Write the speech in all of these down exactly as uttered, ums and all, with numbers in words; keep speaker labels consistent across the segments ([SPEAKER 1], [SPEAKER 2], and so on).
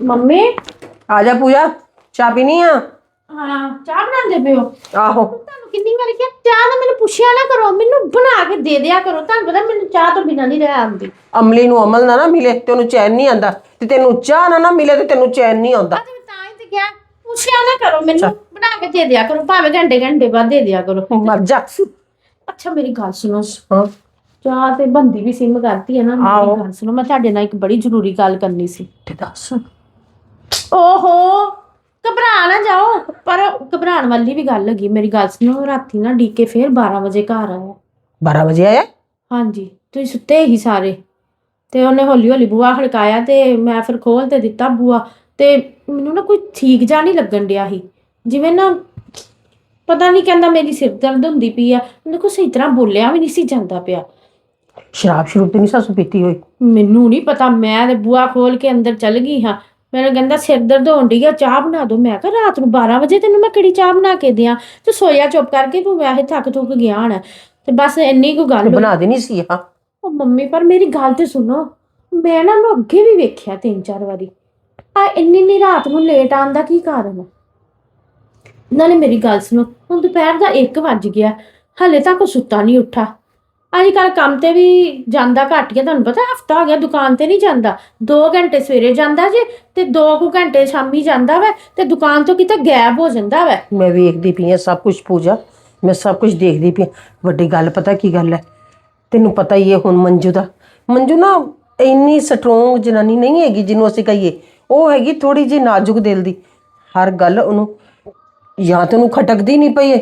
[SPEAKER 1] Mummy
[SPEAKER 2] आ जा पूजा चाह पीनी आ।
[SPEAKER 1] हाँ चाह बनाते पे हो?
[SPEAKER 2] आहो
[SPEAKER 1] ਤੁਹਾਨੂੰ ਕਿੰਨੀ ਵਾਰੀ ਕਿਹਾ ਚਾਹ ਨਾ ਮੈਨੂੰ ਪੁੱਛਿਆ ਨਾ ਕਰੋ, ਮੈਨੂੰ ਬਣਾ ਕੇ ਦੇ ਦਿਆ ਕਰੋ। ਤੁਹਾਨੂੰ ਪਤਾ ਮੈਨੂੰ ਚਾਹ ਤੋਂ ਬਿਨਾਂ ਨਹੀਂ ਰਹਿ ਆਉਂਦੀ।
[SPEAKER 2] ਅਮਲੀ ਨੂੰ ਅਮਲ ਨਾ ਨਾ ਮਿਲੇ ਤੇ ਉਹਨੂੰ ਚੈਨ ਨਹੀਂ ਆਂਦਾ, ਤੇ ਤੈਨੂੰ ਚਾਹ ਨਾ ਨਾ ਮਿਲੇ ਤੇ ਤੈਨੂੰ ਚੈਨ ਨਹੀਂ ਆਉਂਦਾ।
[SPEAKER 1] ਅੱਜ ਤਾਂ ਹੀ ਤੇ ਕਿਹਾ ਪੁੱਛਿਆ ਨਾ ਕਰੋ, ਮੈਨੂੰ ਬਣਾ ਕੇ ਦੇ ਦਿਆ ਕਰੋ, ਭਾਵੇਂ ਘੰਟੇ ਘੰਟੇ ਬਾਅਦ ਦੇ ਦਿਆ ਕਰੋ।
[SPEAKER 2] ਮਰ ਜਾ।
[SPEAKER 1] ਅੱਛਾ ਮੇਰੀ ਗੱਲ ਸੁਣੋ,
[SPEAKER 2] ਹਾਂ
[SPEAKER 1] ਚਾਹ ਤੇ ਬੰਦੀ ਵੀ ਸਿਮ ਕਰਤੀ ਹੈ ਨਾ। ਮੇਰੀ ਗੱਲ ਸੁਣੋ, ਮੈਂ ਤੁਹਾਡੇ ਨਾਲ ਇੱਕ ਬੜੀ ਜ਼ਰੂਰੀ ਗੱਲ ਕਰਨੀ ਸੀ।
[SPEAKER 2] ਤੇ ਦੱਸ।
[SPEAKER 1] ਓਹੋ ਘਬਰਾ ਨਾ ਜਾਓ, ਪਰ ਘਬਰਾਉਣ ਵਾਲੀ ਵੀ ਗੱਲ ਹੈਗੀ। ਮੇਰੀ ਗੱਲ ਸੁਣੋ, ਰਾਤੀ ਨਾ ਡੀਕੇ ਫੇਰ ਬਾਰਾਂ ਵਜੇ ਘਰ ਆਇਆ।
[SPEAKER 2] ਬਾਰਾਂ ਵਜੇ ਆਇਆ?
[SPEAKER 1] ਹਾਂਜੀ, ਤੁਸੀਂ ਸੁੱਤੇ ਹੀ ਸਾਰੇ, ਤੇ ਉਹਨੇ ਹੌਲੀ ਹੌਲੀ ਬੂਹਾ ਖੜਕਾਇਆ ਤੇ ਮੈਂ ਫਿਰ ਖੋਲ ਤੇ ਦਿੱਤਾ ਬੂਹਾ। ਤੇ ਮੈਨੂੰ ਨਾ ਕੋਈ ਠੀਕ ਜਾ ਨਹੀਂ ਲੱਗਣ ਡਿਆ ਸੀ, ਜਿਵੇਂ ਨਾ ਪਤਾ ਨਹੀਂ, ਕਹਿੰਦਾ ਮੇਰੀ ਸਿਰ ਦਰਦ ਹੁੰਦੀ ਪਈ ਆ। ਮੈਨੂੰ ਕੋਈ ਸਹੀ ਤਰ੍ਹਾਂ ਬੋਲਿਆ ਵੀ ਨਹੀਂ ਸੀ ਜਾਂਦਾ ਪਿਆ।
[SPEAKER 2] ਸ਼ਰਾਬ ਸ਼ਰੂਬ ਤੇ ਨਹੀਂ ਸਾਸੂ ਪੀਤੀ ਹੋਈ?
[SPEAKER 1] ਮੈਨੂੰ ਨਹੀਂ ਪਤਾ, ਮੈਂ ਤੇ ਬੂਹਾ ਖੋਲ ਕੇ ਅੰਦਰ ਚਲ ਗਈ ਹਾਂ। ਮੈਨੂੰ ਕਹਿੰਦਾ ਸਿਰ ਦਰਦ ਹੋਣ ਡਈ ਆ, ਚਾਹ ਬਣਾ ਦੋ। ਮੈਂ ਕਿਹਾ ਰਾਤ ਨੂੰ ਬਾਰਾਂ ਵਜੇ ਤੈਨੂੰ ਮੈਂ ਕਿਹੜੀ ਚਾਹ ਬਣਾ ਕੇ ਦਿਆਂ, ਤੇ ਸੋਇਆ ਚੁੱਪ ਕਰਕੇ, ਤੂੰ ਵੈਸੇ ਥੱਕ ਥੁੱਕ ਗਿਆ ਹੋਣਾ। ਤੇ ਬਸ ਇੰਨੀ ਕੁ ਗੱਲ
[SPEAKER 2] ਬਣਾ ਦੇਣੀ ਸੀ। ਹਾਂ
[SPEAKER 1] ਉਹ ਮੰਮੀ, ਪਰ ਮੇਰੀ ਗੱਲ ਤੇ ਸੁਣੋ, ਮੈਂ ਨਾ ਉਹਨੂੰ ਅੱਗੇ ਵੀ ਵੇਖਿਆ ਤਿੰਨ ਚਾਰ ਵਾਰੀ। ਆ ਇੰਨੀ ਇੰਨੀ ਰਾਤ ਨੂੰ ਲੇਟ ਆਉਣ ਦਾ ਕੀ ਕਾਰਨ ਹੈ? ਨਾਲੇ ਮੇਰੀ ਗੱਲ ਸੁਣੋ, ਹੁਣ ਦੁਪਹਿਰ ਦਾ ਇੱਕ ਵੱਜ ਗਿਆ, ਹਲੇ ਤੱਕ ਉਹ ਸੁੱਤਾ ਨਹੀਂ ਉੱਠਾ। ਅੱਜ ਕੱਲ੍ਹ ਕੰਮ ਤੇ ਵੀ ਜਾਂਦਾ ਘੱਟ ਗਿਆ, ਤੁਹਾਨੂੰ ਪਤਾ ਹਫਤਾ ਹੋ ਗਿਆ ਦੁਕਾਨ ਤੇ ਨਹੀਂ ਜਾਂਦਾ। ਦੋ ਘੰਟੇ ਸਵੇਰੇ ਜਾਂਦਾ ਜੇ ਤੇ ਦੋ ਕੁ ਘੰਟੇ ਸ਼ਾਮੀ ਜਾਂਦਾ ਵਾ, ਤੇ ਦੁਕਾਨ ਤੋਂ ਕਿਤੇ ਗਾਇਬ ਹੋ ਜਾਂਦਾ ਵਾ।
[SPEAKER 2] ਮੈਂ ਵੇਖਦੀ ਪਈ ਆ ਸਭ ਕੁਝ ਪੂਜਾ, ਮੈਂ ਸਭ ਕੁਝ ਦੇਖਦੀ ਪਈ। ਵੱਡੀ ਗੱਲ ਪਤਾ ਕੀ ਗੱਲ ਹੈ, ਤੈਨੂੰ ਪਤਾ ਹੀ ਹੈ ਹੁਣ ਮੰਜੂ ਦਾ। ਮੰਜੂ ਨਾ ਇੰਨੀ ਸਟਰੋਂਗ ਜਨਾਨੀ ਨਹੀਂ ਹੈਗੀ ਜਿਹਨੂੰ ਅਸੀਂ ਕਹੀਏ, ਉਹ ਹੈਗੀ ਥੋੜੀ ਜਿਹੀ ਨਾਜ਼ੁਕ ਦਿਲ ਦੀ। ਹਰ ਗੱਲ ਉਹਨੂੰ ਜਾਂ ਤਾਂ ਉਹਨੂੰ ਖਟਕਦੀ ਨਹੀਂ ਪਈ ਹੈ,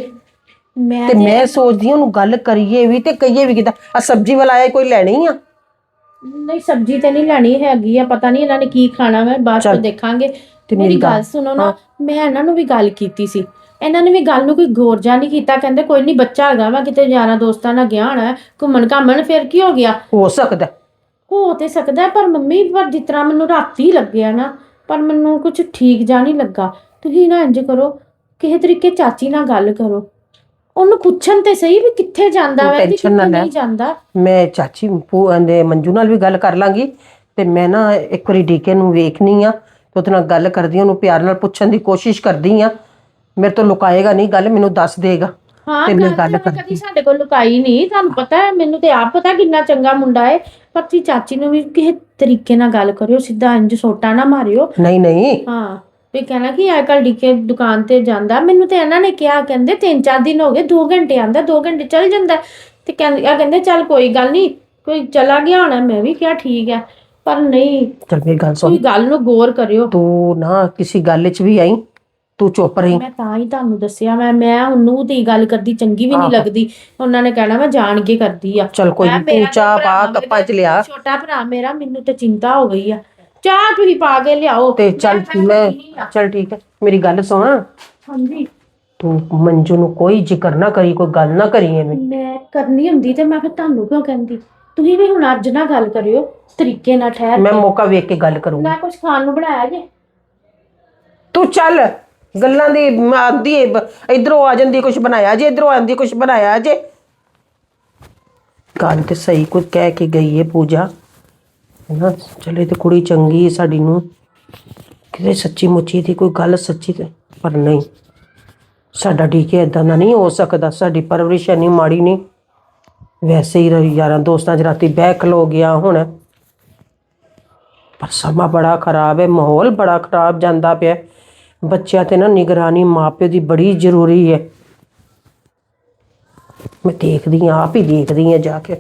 [SPEAKER 2] ਤੇ ਮੈਂ ਸੋਚਦੀ ਹਾਂ ਉਹਨੂੰ ਗੱਲ ਕਰੀਏ ਵੀ ਤੇ ਕਹੀਏ ਵੀ ਕਿੱਦਾਂ। ਆ ਸਬਜ਼ੀ ਵਾਲਾ ਆਇਆ, ਕੋਈ ਲੈਣੀ ਆ?
[SPEAKER 1] ਨਹੀਂ ਸਬਜ਼ੀ ਤੇ ਨਹੀਂ ਲੈਣੀ ਹੈਗੀ ਆ, ਪਤਾ ਨਹੀਂ ਇਹਨਾਂ ਨੇ ਕੀ ਖਾਣਾ ਵਾ, ਬਾਅਦ ਚ ਦੇਖਾਂਗੇ। ਮੇਰੀ ਗੱਲ ਸੁਣੋ ਨਾ, ਮੈਂ ਇਹਨਾਂ ਨੂੰ ਵੀ ਗੱਲ ਕੀਤੀ ਸੀ, ਇਹਨਾਂ ਨੇ ਵੀ ਗੱਲ ਨੂੰ ਕੋਈ ਗੌਰ ਜਾ ਨਹੀਂ ਕੀਤਾ। ਕਹਿੰਦੇ ਕੋਈ ਨਹੀਂ, ਬੱਚਾ ਹੈਗਾ ਵਾ, ਕਿਤੇ ਯਾਰਾਂ ਦੋਸਤਾਂ ਨਾਲ ਗਿਆ ਹੋਣਾ ਘੁੰਮਣ ਘਾਮਣ, ਫਿਰ ਕੀ ਹੋ ਗਿਆ?
[SPEAKER 2] ਹੋ ਸਕਦਾ
[SPEAKER 1] ਹੋ ਤੇ ਸਕਦਾ, ਪਰ ਮੰਮੀ ਪਰ ਜਿਸ ਤਰ੍ਹਾਂ ਮੈਨੂੰ ਰਾਤੀ ਲੱਗਿਆ ਨਾ, ਪਰ ਮੈਨੂੰ ਕੁਝ ਠੀਕ ਜਾ ਨਹੀਂ ਲੱਗਾ। ਤੁਸੀਂ ਨਾ ਇੰਝ ਕਰੋ, ਕਿਸੇ ਤਰੀਕੇ ਚਾਚੀ ਨਾਲ ਗੱਲ ਕਰੋ, ਉਹਨੂੰ ਪੁੱਛਣ ਤੇ ਸਹੀ ਵੀ ਕਿੱਥੇ ਜਾਂਦਾ ਵਾ ਤੇ ਕਿੱਥੇ ਨਹੀਂ ਜਾਂਦਾ।
[SPEAKER 2] ਮੈਂ ਚਾਚੀ ਦੇ ਮੰਜੂ ਨਾਲ ਵੀ ਗੱਲ ਕਰ ਲਾਂਗੀ, ਤੇ ਮੈਂ ਨਾ ਇੱਕ ਵਾਰੀ ਡੀਕੇ ਨੂੰ ਵੇਖਣੀ ਆ, ਉਹਦੇ ਨਾਲ ਗੱਲ ਕਰਦੀ, ਉਹਨੂੰ ਪਿਆਰ ਨਾਲ ਪੁੱਛਣ ਦੀ ਕੋਸ਼ਿਸ਼ ਕਰਦੀ ਆ। ਮੇਰੇ ਤੋਂ ਲੁਕਾਏਗਾ ਨਹੀਂ ਗੱਲ, ਮੈਨੂੰ ਦੱਸ ਦੇਗਾ।
[SPEAKER 1] ਹਾਂ ਗੱਲ ਕਦੀ ਸਾਡੇ ਕੋਲ ਲੁਕਾਈ ਨਹੀਂ, ਤੁਹਾਨੂੰ ਪਤਾ ਹੈ, ਮੈਨੂੰ ਤੇ ਆਪ ਪਤਾ ਕਿੰਨਾ ਚੰਗਾ ਮੁੰਡਾ ਹੈ। ਪਰ ਤੁਸੀਂ ਚਾਚੀ ਨੂੰ ਵੀ ਕਿਸੇ ਤਰੀਕੇ ਨਾਲ ਗੱਲ ਕਰਿਓ, ਸਿੱਧਾ ਇੰਜ ਸੋਟਾ ਨਾ ਮਾਰਿਓ।
[SPEAKER 2] ਨਹੀਂ ਨਹੀਂ
[SPEAKER 1] ਹਾਂ ਵੀ ਕਹਿਣਾ ਕਿ ਅੱਜ ਕੱਲ੍ਹ ਡੀਕੇ ਦੁਕਾਨ ਤੇ ਜਾਂਦਾ। ਮੈਨੂੰ ਤੇ ਇਹਨਾਂ ਨੇ ਕਿਹਾ, ਕਹਿੰਦੇ ਤਿੰਨ ਚਾਰ ਦਿਨ ਹੋ ਗਏ, ਦੋ ਘੰਟੇ ਆਉਂਦਾ, ਦੋ ਘੰਟੇ ਚੱਲ ਜਾਂਦਾ। ਤੇ ਕਹਿੰਦੇ ਆ ਕਹਿੰਦੇ ਚੱਲ ਕੋਈ ਗੱਲ ਨਹੀਂ, ਕੋਈ ਚਲਾ ਗਿਆ ਹੋਣਾ। ਮੈਂ ਵੀ ਕਿਹਾ ਠੀਕ ਹੈ, ਪਰ ਨਹੀਂ,
[SPEAKER 2] ਚੱਲ ਮੇਰੀ ਗੱਲ ਸੁਣ,
[SPEAKER 1] ਤੁਸੀਂ ਗੱਲ ਨੂੰ ਗੌਰ ਕਰਿਓ।
[SPEAKER 2] ਤੂੰ ਨਾ ਕਿਸੇ ਗੱਲ 'ਚ ਵੀ ਆਈ, ਤੂੰ ਚੁੱਪ ਰਹੀ।
[SPEAKER 1] ਮੈਂ ਤਾਂ ਹੀ ਤੁਹਾਨੂੰ ਦੱਸਿਆ, ਮੈਂ ਮੈਂ ਉਹਨੂੰ ਤੇ ਗੱਲ ਕਰਦੀ ਚੰਗੀ ਵੀ ਨਹੀਂ ਲੱਗਦੀ। ਉਹਨਾਂ ਨੇ ਕਹਿਣਾ ਮੈਂ ਜਾਣ ਕੇ ਕਰਦੀ ਆ।
[SPEAKER 2] ਚੱਲ ਕੋਈ ਨਹੀਂ, ਤੂੰ ਚਾਹ ਪਾ ਕੱਪਾਂ 'ਚ ਲਿਆ।
[SPEAKER 1] ਛੋਟਾ ਭਰਾ ਮੇਰਾ, ਮੈਨੂੰ ਤੇ ਚਿੰਤਾ ਹੋ ਗਈ ਆ। ਚਾਹ ਤੁਸੀਂ ਪਾ ਕੇ ਲਿਆਓ
[SPEAKER 2] ਤੇ ਚੱਲ ਮੈਂ ਚੱਲ ਠੀਕ ਹੈ, ਮੇਰੀ ਗੱਲ ਸੁਣ।
[SPEAKER 1] ਹਾਂਜੀ
[SPEAKER 2] ਤੂੰ ਮੰਜੂ ਨੂੰ ਕੋਈ ਜ਼ਿਕਰ ਨਾ ਕਰੀ, ਕੋਈ ਗੱਲ ਨਾ ਕਰੀ ਐਵੇਂ।
[SPEAKER 1] ਮੈਂ ਕਰਨੀ ਹੁੰਦੀ ਤੇ ਮੈਂ ਫਿਰ ਤੁਹਾਨੂੰ ਕਿਉਂ ਕਹਿੰਦੀ? ਤੁਸੀਂ ਵੀ ਹੁਣ ਅੱਜ ਨਾ ਗੱਲ ਕਰਿਓ, ਤਰੀਕੇ ਨਾਲ ਠਹਿਰ ਕੇ।
[SPEAKER 2] ਮੈਂ ਮੌਕਾ ਵੇਖ ਕੇ ਗੱਲ ਕਰੂੰਗੀ।
[SPEAKER 1] ਮੈਂ ਕੁਝ ਖਾਣ ਨੂੰ ਬਣਾਇਆ ਜੇ?
[SPEAKER 2] ਤੂੰ ਚੱਲ, ਗੱਲਾਂ ਦੀ ਆਂਦੀ ਇਧਰੋਂ ਆ ਜਾਂਦੀ ਕੁਝ ਬਣਾਇਆ ਜੇ, ਇਧਰੋਂ ਆਂਦੀ ਕੁਝ ਬਣਾਇਆ ਜੇ। ਗੱਲ ਤੇ ਸਹੀ ਕੁਝ ਕਹਿ ਕੇ ਗਈ ਹੈ ਪੂਜਾ, ਨਾ ਚਲੇ ਤੇ ਕੁੜੀ ਚੰਗੀ ਸਾਡੀ ਨੂੰ, ਕਿਤੇ ਸੱਚੀ ਮੁੱਚੀ ਦੀ ਕੋਈ ਗੱਲ ਸੱਚੀ ਤੇ, ਪਰ ਨਹੀਂ, ਸਾਡਾ ਡੀਕੇ ਇਦਾਂ ਦਾ ਨਹੀਂ ਹੋ ਸਕਦਾ। ਸਾਡੀ ਪਰਵਰਿਸ਼ ਇੰਨੀ ਮਾੜੀ ਨਹੀਂ, ਵੈਸੇ ਹੀ ਯਾਰਾਂ ਦੋਸਤਾਂ 'ਚ ਰਾਤੀ ਬਹਿ ਖਲੋ ਗਿਆ ਹੁਣ। ਪਰ ਸਮਾਂ ਬੜਾ ਖਰਾਬ ਹੈ, ਮਾਹੌਲ ਬੜਾ ਖਰਾਬ ਜਾਂਦਾ ਪਿਆ। ਬੱਚਿਆਂ ਤੇ ਨਾ ਨਿਗਰਾਨੀ ਮਾਂ ਪਿਓ ਦੀ ਬੜੀ ਜ਼ਰੂਰੀ ਹੈ। ਮੈਂ ਦੇਖਦੀ ਹਾਂ, ਆਪ ਹੀ ਦੇਖਦੀ ਹਾਂ ਜਾ ਕੇ।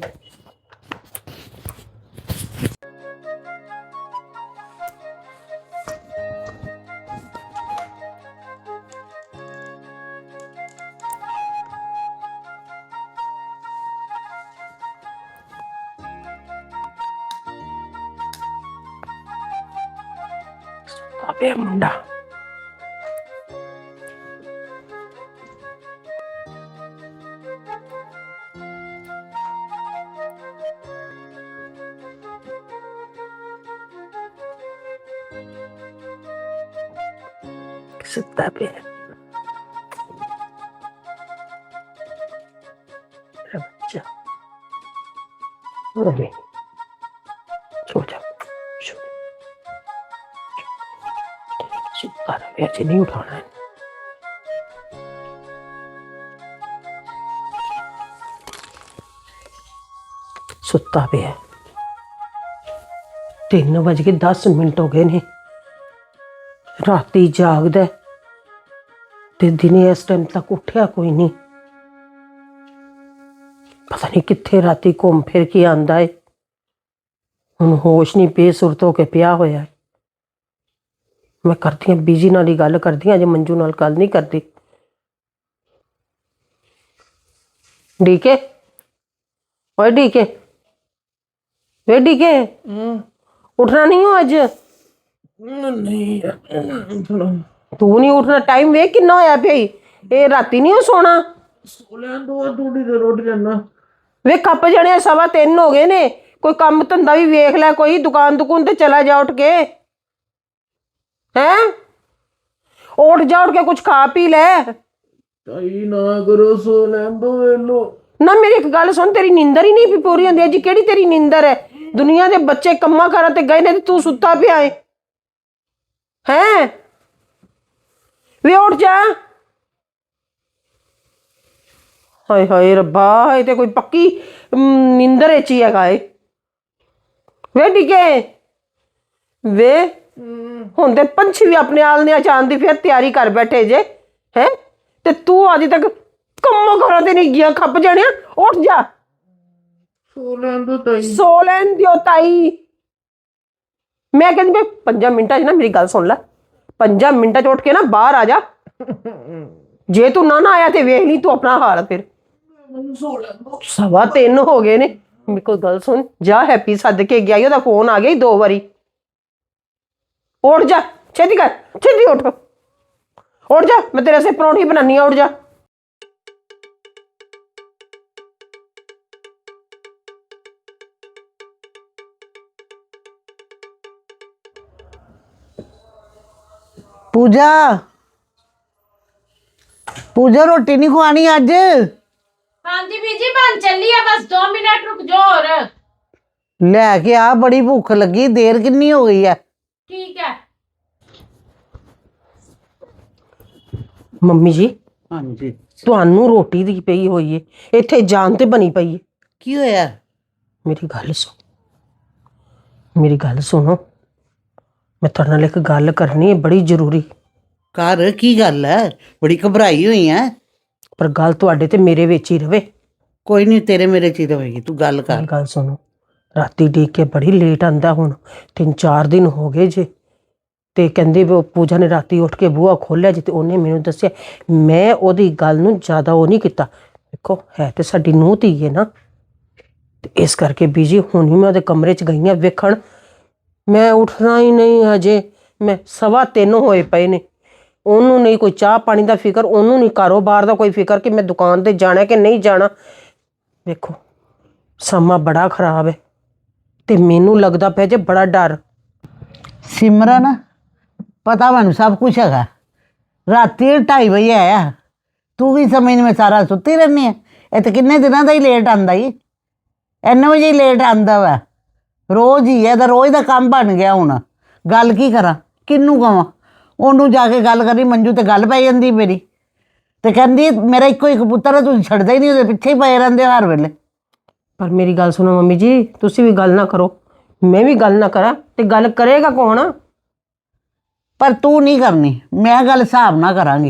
[SPEAKER 2] ਅਬੇ ਮੁੰਡਾ ਸੁੱਤਾ ਪਿਆ ਬੱਚਾ। ਅਬੇ ਸੋ ਜਾ, ਸੋ ਪਿਆ ਜੀ, ਨਹੀਂ ਉਠਾਣਾ ਹੈ। ਸੁੱਤਾ ਪਿਆ। ਤਿੰਨ ਵਜ ਕੇ ਦਸ ਮਿੰਟ ਹੋ ਗਏ ਨੇ। ਰਾਤੀ ਜਾਗਦਾ ਤੇ ਦਿਨੇ ਇਸ ਟਾਈਮ ਤੱਕ ਉੱਠਿਆ ਕੋਈ ਨਹੀਂ। ਪਤਾ ਨਹੀਂ ਕਿੱਥੇ ਰਾਤੀ ਘੁੰਮ ਫਿਰ ਕੇ ਆਂਦਾ ਏ। ਹੁਣ ਹੋਸ਼ ਨਹੀਂ, ਬੇਸੁਰਤ ਹੋ ਕੇ ਪਿਆ ਹੋਇਆ। ਮੈਂ ਕਰਦੀ ਹਾਂ ਬੀਜੀ ਨਾਲ ਹੀ ਗੱਲ ਕਰਦੀ ਹਾਂ, ਅਜੇ ਮੰਜੂ ਨਾਲ ਗੱਲ ਨਹੀਂ ਕਰਦੀ। ਡੀਕੇ, ਓਏ ਡੀਕੇ, ਵੇ ਡੀਕੇ, ਉੱਠਣਾ ਨਹੀਂ ਹੋ ਅੱਜ?
[SPEAKER 3] ਨਹੀਂ
[SPEAKER 2] ਤੂੰ ਨਹੀਂ ਉੱਠਣਾ? ਟਾਈਮ ਵੇਖ ਕਿੰਨਾ ਹੋਇਆ ਪਿਆ ਈ। ਇਹ ਰਾਤੀ ਨਹੀਂ ਸੋਣਾ।
[SPEAKER 3] ਸੋ ਲੈਣ ਦੋ, ਥੋੜੀ ਦੇਰ ਉੱਠ ਜਾਣਾ।
[SPEAKER 2] ਵੇ ਕੱਪ ਜਣੇ ਸਵਾ ਤਿੰਨ ਹੋ ਗਏ ਨੇ। ਕੋਈ ਕੰਮ ਧੰਦਾ ਵੀ ਵੇਖ ਲੈ, ਕੋਈ ਦੁਕਾਨ ਦੁਕਾਨ ਤੇ ਚਲਾ ਜਾ ਉੱਠ ਕੇ। ਹੈਂ, ਉੱਠ ਜਾ, ਉੱਠ ਕੇ ਕੁਝ ਖਾ ਪੀ ਲੈ।
[SPEAKER 3] ਤਾਈ ਨਾ ਕਰੋ, ਸੋ ਲੈਣ ਦੋ ਵੇਲੋ।
[SPEAKER 2] ਨਾ ਮੇਰੀ ਇੱਕ ਗੱਲ ਸੁਣ, ਤੇਰੀ ਨੀਂਦਰ ਹੀ ਨਹੀਂ ਪੂਰੀ ਹੁੰਦੀ। ਅੱਜ ਕਿਹੜੀ ਤੇਰੀ ਨੀਂਦਰ ਹੈ? ਦੁਨੀਆ ਦੇ ਬੱਚੇ ਕੰਮਾਂ ਕਾਰਾਂ ਤੇ ਗਏ ਨੇ ਤੇ ਤੂੰ ਸੁੱਤਾ ਪਿਆ ਏ। ਹੈਂ, ਵੇ ਉੱਠ ਜਾ। ਹਾਏ ਹਾਏ ਰੱਬਾ, ਇਹ ਤੇ ਕੋਈ ਪੱਕੀ ਨੀਂਦਰ ਵਿੱਚ ਹੀ ਹੈਗਾ ਏ। ਵੇ ਡਿੱਗੇ ਵੇ, ਹੁਣ ਤੇ ਪੰਛੀ ਵੀ ਆਪਣੇ ਆਲਣੇ ਜਾਣ ਦੀ ਫਿਰ ਤਿਆਰੀ ਕਰ ਬੈਠੇ ਜੇ। ਹੈ ਤੇ ਤੂੰ ਅਜੇ ਤੱਕ ਕੰਮਾਂ ਕਾਰਾਂ ਤੇ ਨਹੀਂ ਗਿਆ। ਖੱਪ ਜਾਣਿਆ, ਉੱਠ ਜਾ।
[SPEAKER 3] ਸੋ ਲੈਣ ਦੋ ਤਾਈ।
[SPEAKER 2] ਸੋ ਲੈਣ ਦਿਓ ਤਾਈ। ਮੈਂ ਕਹਿੰਦੀ ਵੀ ਪੰਜਾਂ ਮਿੰਟਾਂ 'ਚ ਨਾ ਮੇਰੀ ਗੱਲ ਸੁਣ ਲੈ। ਪੰਜਾਂ ਮਿੰਟਾਂ 'ਚ ਉੱਠ ਕੇ ਨਾ ਬਾਹਰ ਆ ਜਾ। ਜੇ ਤੂੰ ਨਾ ਨਾ ਆਇਆ ਤੇ ਵੇਖ ਲਈ ਤੂੰ ਆਪਣਾ ਹਾਲ। ਫਿਰ
[SPEAKER 3] ਮੈਨੂੰ ਸੋ ਲੈਣ ਦੋ।
[SPEAKER 2] ਸਵਾ ਤਿੰਨ ਹੋ ਗਏ ਨੇ। ਮੇਰੇ ਕੋਲ ਗੱਲ ਸੁਣ, ਜਾ ਹੈਪੀ ਸੱਦ ਕੇ ਗਿਆ, ਉਹਦਾ ਫੋਨ ਆ ਗਿਆ ਈ ਦੋ ਵਾਰੀ। ਉੱਠ ਜਾ, ਛੇਤੀ ਕਰ, ਛੇਤੀ ਉੱਠ, ਉੱਠ ਜਾ। ਮੈਂ ਤੇਰੇ ਸੇ ਪਰੌਂਠੀ ਬਣਾਨੀ ਆ, ਉੱਠ ਜਾ।
[SPEAKER 4] पूजा पूजा रोटी नहीं खुआनी अज?
[SPEAKER 1] हाँ जी बीजी बन चली है, बस दो मिनट रुक जाओ और।
[SPEAKER 4] लैके आ, बड़ी भूख लगी, देर कितनी हो गई है।
[SPEAKER 1] ठीक है।
[SPEAKER 2] ਮੰਮੀ ਜੀ,
[SPEAKER 4] हाँ जी,
[SPEAKER 2] ਤੁਹਾਨੂੰ ਰੋਟੀ ਦੀ ਪਈ ਹੋਈ ਏ, ਇੱਥੇ ਜਾਨ ਤੇ ਬਣੀ ਪਈ ਏ।
[SPEAKER 4] की होया?
[SPEAKER 2] ਮੇਰੀ ਗੱਲ ਸੁਣ, ਮੇਰੀ ਗੱਲ ਸੁਣੋ। ਮੈਂ ਤੁਹਾਡੇ ਨਾਲ ਇੱਕ ਗੱਲ ਕਰਨੀ ਹੈ ਬੜੀ ਜ਼ਰੂਰੀ।
[SPEAKER 4] कर की गल है? बड़ी घबराई हुई है।
[SPEAKER 2] ਪਰ ਗੱਲ ਤੁਹਾਡੇ ਤੇ ਮੇਰੇ ਵਿੱਚ ਹੀ ਰਵੇ।
[SPEAKER 4] कोई नहीं, तेरे मेरे च ही रहेगी, तू गल
[SPEAKER 2] ਮੇਰੀ
[SPEAKER 4] कर।
[SPEAKER 2] ਗੱਲ ਸੁਣੋ, ਰਾਤੀ ਦੇਖ ਕੇ ਬੜੀ ਲੇਟ ਆਂਦਾ। ਹੁਣ ਤਿੰਨ ਚਾਰ ਦਿਨ ਹੋ ਗਏ ਜੇ। ਤੇ ਕਹਿੰਦੇ ਵੀ ਉਹ ਪੂਜਾ ਨੇ ਰਾਤੀ ਉੱਠ ਕੇ ਬੂਹਾ ਖੋਲ੍ਹਿਆ ਜੀ ਤੇ ਉਹਨੇ ਮੈਨੂੰ ਦੱਸਿਆ। ਮੈਂ ਉਹਦੀ ਗੱਲ ਨੂੰ ਜ਼ਿਆਦਾ ਉਹ ਨਹੀਂ ਕੀਤਾ। ਦੇਖੋ ਹੈ ਤੇ ਸਾਡੀ ਨੂੰਹ ਧੀ ਹੈ ਨਾ, ਤੇ ਇਸ ਕਰਕੇ ਬੀਜੀ ਹੁਣ ਹੀ ਮੈਂ ਉਹਦੇ ਕਮਰੇ 'ਚ ਗਈ ਹਾਂ ਵੇਖਣ। ਮੈਂ ਉੱਠਣਾ ਹੀ ਨਹੀਂ ਹਜੇ। ਮੈਂ ਸਵਾ ਤਿੰਨ ਹੋਏ ਪਏ ਨੇ। ਉਹਨੂੰ ਨਹੀਂ ਕੋਈ ਚਾਹ ਪਾਣੀ ਦਾ ਫਿਕਰ, ਉਹਨੂੰ ਨਹੀਂ ਕਾਰੋਬਾਰ ਦਾ ਕੋਈ ਫਿਕਰ ਕਿ ਮੈਂ ਦੁਕਾਨ ਤੇ ਜਾਣਾ ਕਿ ਨਹੀਂ ਜਾਣਾ। ਵੇਖੋ ਸਮਾਂ ਬੜਾ ਖਰਾਬ ਹੈ ਤੇ ਮੈਨੂੰ ਲੱਗਦਾ ਪਿਆ ਜੇ ਬੜਾ ਡਰ।
[SPEAKER 4] सिमरन, पता मैनू सब कुछ है। राती ढाई बजे आया, तू भी समझ में सारा सुती रहनी है। ये तो किन्ने दिनों का ही लेट आंदा ही, इन्ने बजे ही लेट आंदा वा। रोज़ ही है, तो रोज़ का काम बन गया। हुण गल की करा, किनू कवां? ओनू जाके गल करी, मंजू तो गल पै जांदी मेरी। तो कहंदी मेरा इक्को एक पुत्तर है, तुसीं छड्डदे ही नहीं, ਉਹਦੇ ਪਿੱਛੇ ਹੀ ਪਏ ਰਹਿੰਦੇ ਹਰ ਵੇਲੇ।
[SPEAKER 2] ਪਰ ਮੇਰੀ ਗੱਲ ਸੁਣੋ ਮੰਮੀ ਜੀ, ਤੁਸੀਂ ਵੀ ਗੱਲ ਨਾ ਕਰੋ, ਮੈਂ ਵੀ ਗੱਲ ਨਾ ਕਰਾਂ ਤੇ ਗੱਲ ਕਰੇਗਾ ਕੌਣ?
[SPEAKER 4] पर तू नहीं करनी, मैं गल हिसाब ना करांगी।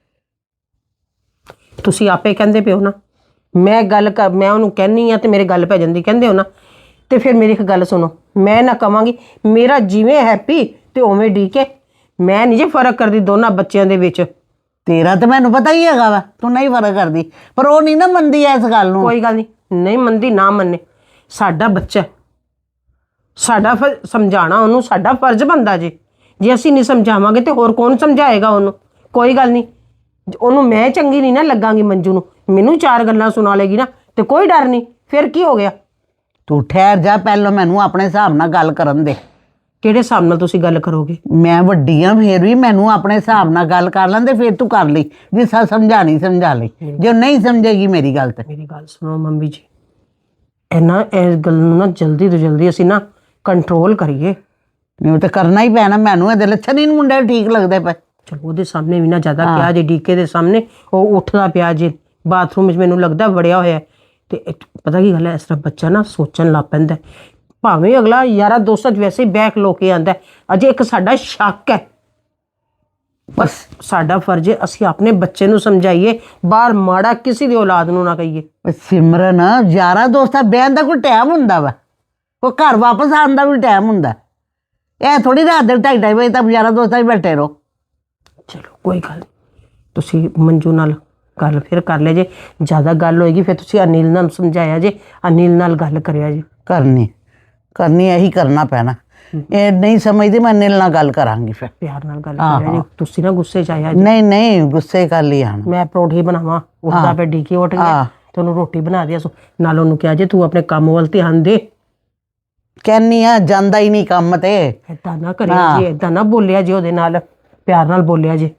[SPEAKER 2] ਤੁਸੀਂ ਆਪੇ ਕਹਿੰਦੇ ਪਿਓ ਨਾ, ਮੈਂ ਗੱਲ ਕਰ, ਮੈਂ ਉਹਨੂੰ ਕਹਿੰਨੀ ਆ ਤੇ ਮੇਰੇ ਗੱਲ ਪੈ ਜਾਂਦੀ, ਕਹਿੰਦੇ ਹੋ ਨਾ। ਤੇ ਫਿਰ ਮੇਰੀ ਇੱਕ ਗੱਲ ਸੁਣੋ, ਮੈਂ ਨਾ ਕਵਾਂਗੀ ਮੇਰਾ ਜਿਵੇਂ ਹੈਪੀ ਤੇ ਉਵੇਂ ਡੀਕੇ। ਮੈਂ ਨਹੀਂ ਜੇ ਫਰਕ ਕਰਦੀ ਦੋਨਾਂ ਬੱਚਿਆਂ ਦੇ ਵਿੱਚ।
[SPEAKER 4] तेरा तो मैनू पता ही हैगा वा, तू नहीं फर्क करदी, पर वो नहीं ना मनदी इस गल नूं।
[SPEAKER 2] ਕੋਈ ਗੱਲ ਨਹੀਂ, ਨਹੀਂ ਮੰਨਦੀ ਨਾ ਮੰਨੇ, ਸਾਡਾ ਬੱਚਾ ਹੈ। ਸਾਡਾ ਫਰ ਸਮਝਾਉਣਾ ਉਹਨੂੰ ਸਾਡਾ ਫਰਜ਼ ਬਣਦਾ ਜੇ। ਜੇ ਅਸੀਂ ਨਹੀਂ ਸਮਝਾਵਾਂਗੇ ਤੇ ਹੋਰ ਕੌਣ ਸਮਝਾਏਗਾ ਉਹਨੂੰ? ਕੋਈ ਗੱਲ ਨਹੀਂ, ਉਹਨੂੰ ਮੈਂ ਚੰਗੀ ਨਹੀਂ ਨਾ ਲੱਗਾਂਗੀ ਮੰਜੂ ਨੂੰ, ਮੈਨੂੰ ਚਾਰ ਗੱਲਾਂ ਸੁਣਾ ਲੇਗੀ ਨਾ ਤੇ ਕੋਈ ਡਰ ਨਹੀਂ। ਫਿਰ ਕੀ ਹੋ ਗਿਆ?
[SPEAKER 4] तू ठहर जा, पहलो मैनू अपने हिसाब नाल गल करन दे।
[SPEAKER 2] ਕਿਹੜੇ ਹਿਸਾਬ ਨਾਲ ਤੁਸੀਂ ਗੱਲ ਕਰੋਗੇ?
[SPEAKER 4] मैं वड्डी हाँ, फिर भी मैनू अपने हिसाब नाल गल कर लैंदे, फिर तू कर ली। जिस समझानी समझा ली, जो नहीं समझेगी मेरी गल ते।
[SPEAKER 2] ਮੇਰੀ ਗੱਲ ਸੁਣੋ ਮੰਮੀ ਜੀ, ਇਹਨਾਂ ਇਸ ਗੱਲ ਨੂੰ ਨਾ ਜਲਦੀ ਤੋਂ ਜਲਦੀ ਅਸੀਂ ਨਾ ਕੰਟਰੋਲ ਕਰੀਏ।
[SPEAKER 4] नहीं तो करना ही पैना। मैनू ये लक्षण ही मुंडे ठीक लगते पे।
[SPEAKER 2] ਚਲੋ ਉਹਦੇ ਸਾਹਮਣੇ ਵੀ ਨਾ ਜ਼ਿਆਦਾ ਕਿਹਾ ਜੇ, ਡੀਕੇ ਦੇ ਸਾਹਮਣੇ ਉਹ ਉੱਠਦਾ ਪਿਆ ਜੇ ਬਾਥਰੂਮ ਵਿੱਚ, ਮੈਨੂੰ ਲੱਗਦਾ ਵੜਿਆ ਹੋਇਆ ਹੈ। ਤੇ ਇੱਕ ਪਤਾ ਕੀ ਗੱਲ ਹੈ, ਇਸ ਤਰ੍ਹਾਂ ਬੱਚਾ ਨਾ ਸੋਚਣ ਲੱਗ ਪੈਂਦਾ, ਭਾਵੇਂ ਅਗਲਾ ਯਾਰਾ ਦੋਸਤਾਂ 'ਚ ਵੈਸੇ ਹੀ ਬੈਕ ਲੋ ਕੇ ਆਂਦਾ, ਅਜੇ ਇੱਕ ਸਾਡਾ ਸ਼ੱਕ ਹੈ, ਬਸ ਸਾਡਾ ਫਰਜ਼ ਹੈ ਅਸੀਂ ਆਪਣੇ ਬੱਚੇ ਨੂੰ ਸਮਝਾਈਏ, ਬਾਹਰ ਮਾੜਾ ਕਿਸੇ ਦੀ ਔਲਾਦ ਨੂੰ ਨਾ ਕਹੀਏ।
[SPEAKER 4] ਸਿਮਰਨ, ਯਾਰਾਂ ਦੋਸਤਾਂ ਬਹਿਣ ਦਾ ਕੋਈ ਟਾਈਮ ਹੁੰਦਾ ਵਾ, ਉਹ ਘਰ ਵਾਪਸ ਆਉਣ ਦਾ ਵੀ ਟਾਈਮ ਹੁੰਦਾ। ਇਹ ਥੋੜੀ ਰਾਤ ਦੇ ਢਾਈ ਢਾਈ ਵਜੇ ਤੱਕ ਯਾਰਾਂ ਦੋਸਤਾਂ 'ਚ ਬੈਠੇ ਰਹੋ।
[SPEAKER 2] ਚਲੋ ਕੋਈ ਗੱਲ ਨਹੀਂ, ਤੁਸੀਂ ਮੰਜੂ ਨਾਲ ਗੱਲ ਫਿਰ ਕਰ ਲਿਆ ਜੇ, ਜ਼ਿਆਦਾ ਗੱਲ ਹੋਏਗੀ ਫਿਰ ਤੁਸੀਂ ਅਨਿਲ ਨਾਲ ਸਮਝਾਇਆ ਜੇ, ਅਨਿਲ ਨਾਲ ਗੱਲ ਕਰਿਆ ਜੇ।
[SPEAKER 4] ਕਰਨੀ ਕਰਨੀ ਇਹੀ ਕਰਨਾ ਪੈਣਾ। ਇਹ ਨਹੀਂ ਸਮਝਦੀ, ਮੈਂ ਅਨਿਲ ਨਾਲ ਗੱਲ ਕਰਾਂਗੀ ਫਿਰ।
[SPEAKER 2] ਪਿਆਰ ਨਾਲ ਗੱਲ ਕਰਿਆ ਜੇ, ਤੁਸੀਂ ਨਾ ਗੁੱਸੇ 'ਚ ਆਇਆ ਜੇ।
[SPEAKER 4] ਨਹੀਂ ਨਹੀਂ, ਗੁੱਸੇ ਕਰ ਲਈ ਆਣ।
[SPEAKER 2] ਮੈਂ ਪਰੌਂਠੀ ਬਣਾਵਾਂ, ਉੱਠਦਾ ਪਿਆ ਡੀਕੇ ਉੱਠ ਗਿਆ ਤੇ ਉਹਨੂੰ ਰੋਟੀ ਬਣਾ ਦਿਆ, ਨਾਲ ਉਹਨੂੰ ਕਿਹਾ ਜੇ ਤੂੰ ਆਪਣੇ ਕੰਮ ਵੱਲ ਧਿਆਨ ਦੇ।
[SPEAKER 4] ਕਹਿੰਨੀ ਆ ਜਾਂਦਾ ਹੀ ਨਹੀਂ ਕੰਮ ਤੇ।
[SPEAKER 2] ਏਦਾਂ ਨਾ ਕਰਿਆ ਜੀ, ਏਦਾਂ ਨਾ ਬੋਲਿਆ ਜੀ, ਉਹਦੇ ਨਾਲ ਪਿਆਰ ਨਾਲ ਬੋਲਿਆ ਜੀ।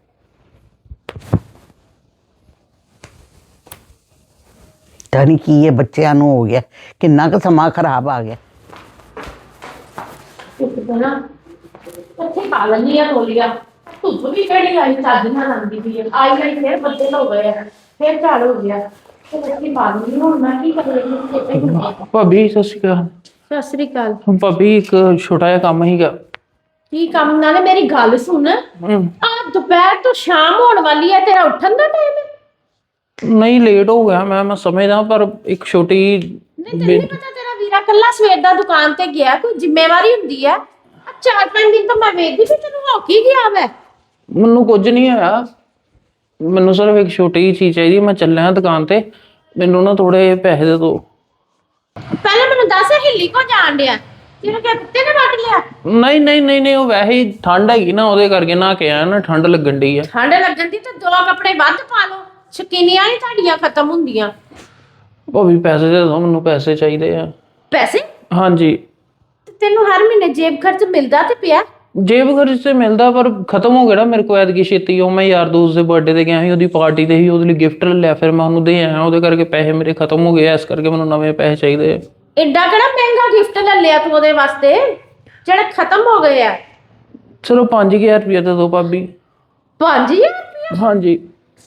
[SPEAKER 4] ਪਤਾ ਨਹੀਂ ਕੀ ਇਹ ਬੱਚਿਆਂ ਨੂੰ ਹੋ ਗਿਆ, ਕਿੰਨਾ ਕੁ ਸਮਾਂ ਖਰਾਬ ਆ ਗਿਆ।
[SPEAKER 1] ਨਾ ਇੱਥੇ ਪਾ ਲੈਣੀ ਆ ਤੋਲੀਆ, ਧੁੱਪ ਵੀ ਕਿਹੜੀ ਆਈ ਚੱਜ ਨਾਲ ਆਉਂਦੀ ਪਈ ਹੈ, ਆਈ ਆਈ ਫਿਰ ਬੱਦਲ ਹੋ ਗਏ ਆ, ਫਿਰ ਝਾੜ ਹੋ ਗਿਆ ਤੇ ਇੱਥੇ ਪਾ ਲੈਣੀ। ਹੁਣ ਮੈਂ ਕੀ ਕਰਾਂ?
[SPEAKER 3] ਭਾਬੀ ਸਤਿ ਸ਼੍ਰੀ ਅਕਾਲ।
[SPEAKER 1] ਸਤਿ ਸ੍ਰੀ ਅਕਾਲ।
[SPEAKER 3] ਭਾਬੀ ਇੱਕ ਛੋਟਾ ਜਿਹਾ ਕੰਮ ਹੀਗਾ।
[SPEAKER 1] ਕੀ ਕੰਮ? ਨਾਲੇ ਮੇਰੀ ਗੱਲ ਸੁਣ, ਆ ਦੁਪਹਿਰ ਤੋਂ ਸ਼ਾਮ ਹੋਣ ਵਾਲੀ ਹੈ, ਤੇਰਾ ਉੱਠਣ ਦਾ ਟਾਈਮ ਹੈ?
[SPEAKER 3] ਨਹੀਂ ਲੇਟ ਹੋ ਗਿਆ ਮੈਂ ਮੈਂ ਸਮਝਦਾ, ਪਰ ਇੱਕ ਛੋਟੀ
[SPEAKER 1] ਨਹੀਂ ਤੈਨੂੰ ਨਹੀਂ ਪਤਾ ਤੇਰਾ ਵੀਰਾ ਕੱਲਾ ਸਵੇਰ ਦਾ ਦੁਕਾਨ ਤੇ ਗਿਆ, ਕੋਈ ਜ਼ਿੰਮੇਵਾਰੀ ਹੁੰਦੀ ਹੈ? ਆ ਚਾਰ ਪੰਜ ਦਿਨ ਤੋਂ ਮੈਂ ਵੇਖਦੀ ਵੀ ਤੈਨੂੰ ਹੋ ਕੀ ਗਿਆ ਵੈ।
[SPEAKER 3] ਮੈਨੂੰ ਕੁਝ ਨਹੀਂ ਹੋਇਆ, ਮੈਨੂੰ ਸਿਰਫ ਇੱਕ ਛੋਟੀ ਜਿਹੀ ਚੀਜ਼ ਚਾਹੀਦੀ, ਮੈਂ ਚੱਲਿਆ ਦੁਕਾਨ ਤੇ, ਮੈਨੂੰ ਨਾ ਥੋੜੇ ਪੈਸੇ ਦੇ ਦਿਓ।
[SPEAKER 1] ਪਹਿਲਾਂ ਮੈਨੂੰ ਦੱਸ ਹਿੱਲੀ ਕੋ ਜਾਣ ਡਿਆ, ਤੈਨੂੰ ਕਿਹਾ ਕੁੱਤੇ ਨੇ ਵੱਢ ਲਿਆ?
[SPEAKER 3] ਨਹੀਂ ਨਹੀਂ ਨਹੀਂ ਨਹੀਂ, ਉਹ ਵੈਸੇ ਹੀ ਠੰਡ ਹੈਗੀ ਨਾ, ਉਹਦੇ ਕਰਕੇ ਨਾ ਕੇ ਆਇਆ ਨਾ, ਠੰਡ ਲੱਗਣ ਡਈ ਆ।
[SPEAKER 1] ਠੰਡ ਲੱਗਣ ਦੀ ਤਾਂ ਦੋ ਕੱਪੜੇ ਵੱਧ ਪਾ ਲਓ, ਸ਼ਕੀਨੀਆਂ ਨਹੀਂ ਤੁਹਾਡੀਆਂ ਖਤਮ ਹੁੰਦੀਆਂ।
[SPEAKER 3] ਭਾਬੀ ਪੈਸੇ ਦੇ ਦਿਓ, ਮੈਨੂੰ ਪੈਸੇ ਚਾਹੀਦੇ ਆ।
[SPEAKER 1] ਪੈਸੇ?
[SPEAKER 3] ਹਾਂਜੀ।
[SPEAKER 1] ਤੇ ਤੈਨੂੰ ਹਰ ਮਹੀਨੇ ਜੇਬ ਖਰਚ ਮਿਲਦਾ ਤੇ ਪਿਆ?
[SPEAKER 3] ਜੇਬ ਖਰਚ ਤੇ ਮਿਲਦਾ, ਪਰ ਖਤਮ ਹੋ ਗਿਆ ਨਾ ਮੇਰੇ ਕੋਲ ਐਤਕੀ ਛੇਤੀ। ਉਹ ਮੈਂ ਯਾਰ ਦੋਸਤ ਦੇ ਬਰਥਡੇ ਤੇ ਗਿਆ ਸੀ, ਉਹਦੀ ਪਾਰਟੀ ਤੇ ਸੀ, ਉਹਦੇ ਲਈ ਗਿਫਟ ਲੈ ਲਿਆ, ਫਿਰ ਮੈਂ ਉਹਨੂੰ ਦੇ ਆਇਆ, ਉਹਦੇ ਕਰਕੇ ਪੈਸੇ ਮੇਰੇ ਖਤਮ ਹੋ ਗਏ, ਇਸ ਕਰਕੇ ਮੈਨੂੰ ਨਵੇਂ ਪੈਸੇ ਚਾਹੀਦੇ ਆ।
[SPEAKER 1] ਐਡਾ ਕਿਹੜਾ ਮਹਿੰਗਾ ਗਿਫਟ ਲੈ ਲਿਆ ਤੂੰ ਉਹਦੇ ਵਾਸਤੇ ਜਿਹੜੇ ਖਤਮ ਹੋ ਗਏ ਆ?
[SPEAKER 3] ਚਲੋ ਪੰਜ ਹਜ਼ਾਰ ਰੁਪਇਆ ਦੇ ਦਿਓ ਭਾਬੀ।
[SPEAKER 1] ਪੰਜ ਹਜ਼ਾਰ ਰੁਪਇਆ?
[SPEAKER 3] ਹਾਂਜੀ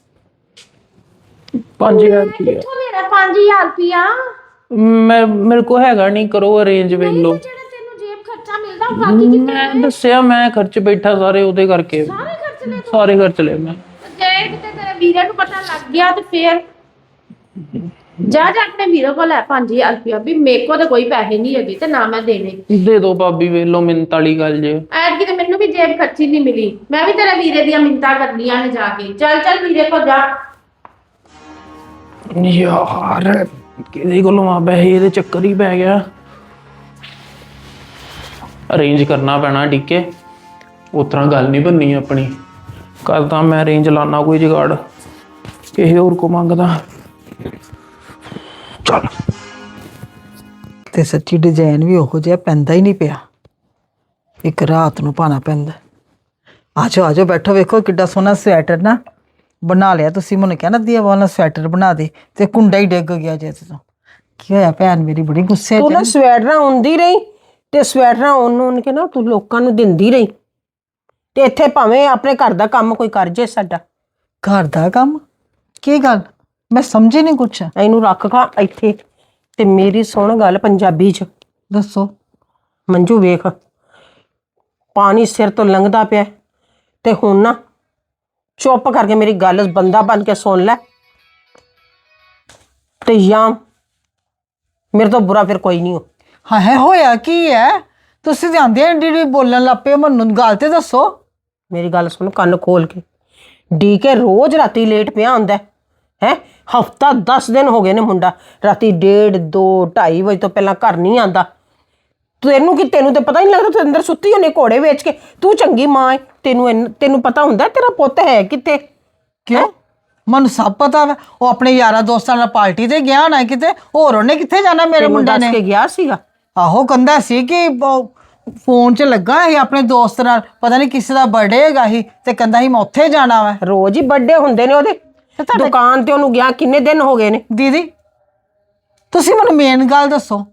[SPEAKER 3] ਪੰਜ ਹਜ਼ਾਰ ਰੁਪਇਆ।
[SPEAKER 1] ਕਿੱਥੋਂ ਲੈਣਾ ਪੰਜ ਹਜ਼ਾਰ ਰੁਪਇਆ?
[SPEAKER 3] ਮੈਂ ਮੇਰੇ ਕੋਲ ਹੈਗਾ ਨਹੀਂ, ਕਰੋ ਅਰੇਂਜ ਵੇਖ ਲਓ।
[SPEAKER 1] ਜਿਹੜਾ ਤੈਨੂੰ ਜੇਬ ਖਰਚਾ ਮਿਲਦਾ ਉਹ ਬਾਕੀ ਕਿੱਥੇ?
[SPEAKER 3] ਮੈਂ ਦੱਸਿਆ ਮੈਂ ਖਰਚ ਬੈਠਾ ਸਾਰੇ, ਉਹਦੇ ਕਰਕੇ
[SPEAKER 1] ਸਾਰੇ ਖਰਚ ਲੈ
[SPEAKER 3] ਸਾਰੇ ਖਰਚ ਲਏ ਮੈਂ।
[SPEAKER 1] ਜੇ ਕਿਤੇ ਤੇਰੇ ਵੀਰੇ ਨੂੰ ਪਤਾ ਲੱਗ ਗਿਆ ਤੇ ਫੇਰ ਜਾ ਜਾ ਆਪਣੇ ਵੀਰੇ ਕੋਲ ਲੈ ਪੰਜ ਹਜ਼ਾਰ ਰੁਪਇਆ, ਵੀ ਮੇਰੇ ਕੋਲ ਤਾਂ ਕੋਈ ਪੈਸੇ ਨਹੀਂ ਹੈਗੇ ਤੇ ਨਾ ਮੈਂ ਦੇਣੇ।
[SPEAKER 3] ਦੇ ਦਿਓ ਭਾਬੀ, ਵੇਖ ਲਓ ਮਿੰਤ ਵਾਲੀ ਗੱਲ ਜੇ।
[SPEAKER 1] ਐਤਕੀ ਤੇ ਮੈਨੂੰ ਵੀ ਜੇਬ ਖਰਚੀ ਨਹੀਂ ਮਿਲੀ, ਮੈਂ ਵੀ ਤੇਰੇ ਵੀਰੇ ਦੀਆਂ ਮਿੰਤਾਂ ਕਰਨੀਆਂ ਨੇ ਜਾ ਕੇ। ਚੱਲ ਚੱਲ ਵੀਰੇ ਕੋਲ ਜਾ।
[SPEAKER 3] ਯਾਰ ਕਿਹਦੇ ਕੋਲੋਂ ਆ ਪੈਸੇ, ਇਹਦੇ ਚੱਕਰ ਹੀ ਪੈ ਗਿਆ। ਅਰੇਂਜ ਕਰਨਾ ਪੈਣਾ ਟਿੱਕੇ, ਉਸ ਤਰ੍ਹਾਂ ਗੱਲ ਨਹੀਂ ਬਣਨੀ ਆਪਣੀ। ਕਰਦਾ ਮੈਂ ਅਰੇਂਜ, ਲਾਣਾ ਕੋਈ ਜੁਗਾੜ, ਕਿਸੇ ਹੋਰ ਕੋ ਮੰਗਦਾ। ਚੱਲ
[SPEAKER 5] ਤੇ ਸੱਚੀ ਡਿਜ਼ਾਈਨ ਵੀ ਉਹੋ ਜਿਹਾ ਪੈਂਦਾ ਹੀ ਨਹੀਂ ਪਿਆ, ਇੱਕ ਰਾਤ ਨੂੰ ਪਾਣਾ ਪੈਂਦਾ। ਆਜੋ ਆਜੋ ਬੈਠੋ, ਵੇਖੋ ਕਿੱਡਾ ਸੋਹਣਾ ਸਵੈਟਰ ਨਾ ਬਣਾ ਲਿਆ ਤੁਸੀਂ। ਮੈਨੂੰ ਕਹਿਣਾ ਦੀਆ ਵਾਲਾ ਸਵੈਟਰ ਬਣਾ ਦੇ, ਤੇ ਕੁੰਡਾ ਹੀ ਡਿੱਗ ਗਿਆ ਜੇ ਤੋਂ। ਕੀ ਹੋਇਆ ਭੈਣ ਮੇਰੀ ਬੜੀ ਗੁੱਸੇ
[SPEAKER 2] ਤੂੰ ਨਾ
[SPEAKER 5] ਚ।
[SPEAKER 2] ਸਵੈਟਰਾਂ ਹੁੰਦੀ ਰਹੀ ਤੇ ਸਵੈਟਰਾਂ ਉਹਨੂੰ ਉਹਨ ਕੇ ਨਾ ਤੂੰ ਲੋਕਾਂ ਨੂੰ ਦਿੰਦੀ ਰਹੀ, ਤੇ ਇੱਥੇ ਭਾਵੇਂ ਆਪਣੇ ਘਰ ਦਾ ਕੰਮ ਕੋਈ ਕਰ ਜੇ ਸਾਡਾ।
[SPEAKER 5] ਘਰ ਦਾ ਕੰਮ? ਕੀ ਗੱਲ ਮੈਂ ਸਮਝੀ ਨਹੀਂ ਕੁਛ।
[SPEAKER 2] ਇਹਨੂੰ ਰੱਖ ਖਾ ਇੱਥੇ, ਤੇ ਮੇਰੀ ਸੁਣ ਗੱਲ ਪੰਜਾਬੀ ਚ।
[SPEAKER 5] ਦੱਸੋ।
[SPEAKER 2] ਮੰਜੂ ਵੇਖ, ਪਾਣੀ ਸਿਰ ਤੋਂ ਲੰਘਦਾ ਪਿਆ, ਤੇ ਹੁਣ ਨਾ ਚੁੱਪ ਕਰਕੇ ਮੇਰੀ ਗੱਲ ਬੰਦਾ ਬਣ ਕੇ ਸੁਣ ਲੈ, ਤੇ ਜਾਂ ਮੇਰੇ ਤੋਂ ਬੁਰਾ ਫਿਰ ਕੋਈ ਨਹੀਂ ਹੋ।
[SPEAKER 5] ਹਾਂ ਹੈ, ਹੋਇਆ ਕੀ ਹੈ? ਤੁਸੀਂ ਜਾਂਦੇ ਆ ਡੀ ਬੋਲਣ ਲੱਗ ਪਏ, ਮੈਨੂੰ ਗੱਲ ਤੇ ਦੱਸੋ।
[SPEAKER 2] ਮੇਰੀ ਗੱਲ ਸੁਣ ਕੰਨ ਖੋਲ ਕੇ। ਡੀ ਕੇ ਰੋਜ਼ ਰਾਤੀ ਲੇਟ ਪਿਆ ਹੁੰਦਾ ਹੈ, ਹਫਤਾ ਦਸ ਦਿਨ ਹੋ ਗਏ ਨੇ ਮੁੰਡਾ ਰਾਤੀ ਡੇਢ ਦੋ ਢਾਈ ਵਜੇ ਤੋਂ ਪਹਿਲਾਂ ਘਰ ਨਹੀਂ ਆਂਦਾ। ਤੈਨੂੰ ਕੀ, ਤੈਨੂੰ ਤੇ ਪਤਾ ਨਹੀਂ ਲੱਗਦਾ, ਤੂੰ ਅੰਦਰ ਸੁੱਤੀ ਹੋਣੀ ਘੋੜੇ ਵੇਚ ਕੇ। ਤੂੰ ਚੰਗੀ ਮਾਂ ਹੈ, ਤੈਨੂੰ ਤੈਨੂੰ ਪਤਾ ਹੁੰਦਾ ਤੇਰਾ ਪੁੱਤ ਹੈ ਕਿੱਥੇ।
[SPEAKER 5] ਕਿਉਂ? ਮੈਨੂੰ ਸਭ ਪਤਾ ਵਾ, ਉਹ ਆਪਣੇ ਯਾਰਾਂ ਦੋਸਤਾਂ ਨਾਲ ਪਾਰਟੀ ਤੇ ਗਿਆ ਨਾ ਕਿਤੇ, ਹੋਰ ਉਹਨੇ ਕਿੱਥੇ ਜਾਣਾ ਮੇਰੇ ਮੁੰਡੇ
[SPEAKER 2] ਦੱਸ
[SPEAKER 5] ਨੇ।
[SPEAKER 2] ਕੇ ਗਿਆ ਸੀਗਾ?
[SPEAKER 5] ਆਹੋ ਕਹਿੰਦਾ ਸੀ ਕਿ ਫੋਨ 'ਚ ਲੱਗਾ ਸੀ ਆਪਣੇ ਦੋਸਤ ਨਾਲ, ਪਤਾ ਨਹੀਂ ਕਿਸੇ ਦਾ ਬਰਥਡੇ ਹੈਗਾ ਸੀ, ਤੇ ਕਹਿੰਦਾ ਸੀ ਮੈਂ ਉੱਥੇ ਜਾਣਾ ਵਾ।
[SPEAKER 2] ਰੋਜ਼ ਹੀ ਬਰਥਡੇ ਹੁੰਦੇ ਨੇ ਉਹਦੇ, ਦੁਕਾਨ ਤੇ ਉਹਨੂੰ ਗਿਆ ਕਿੰਨੇ ਦਿਨ ਹੋ ਗਏ ਨੇ।
[SPEAKER 5] ਦੀਦੀ ਤੁਸੀਂ ਮੈਨੂੰ ਮੇਨ ਗੱਲ ਦੱਸੋ,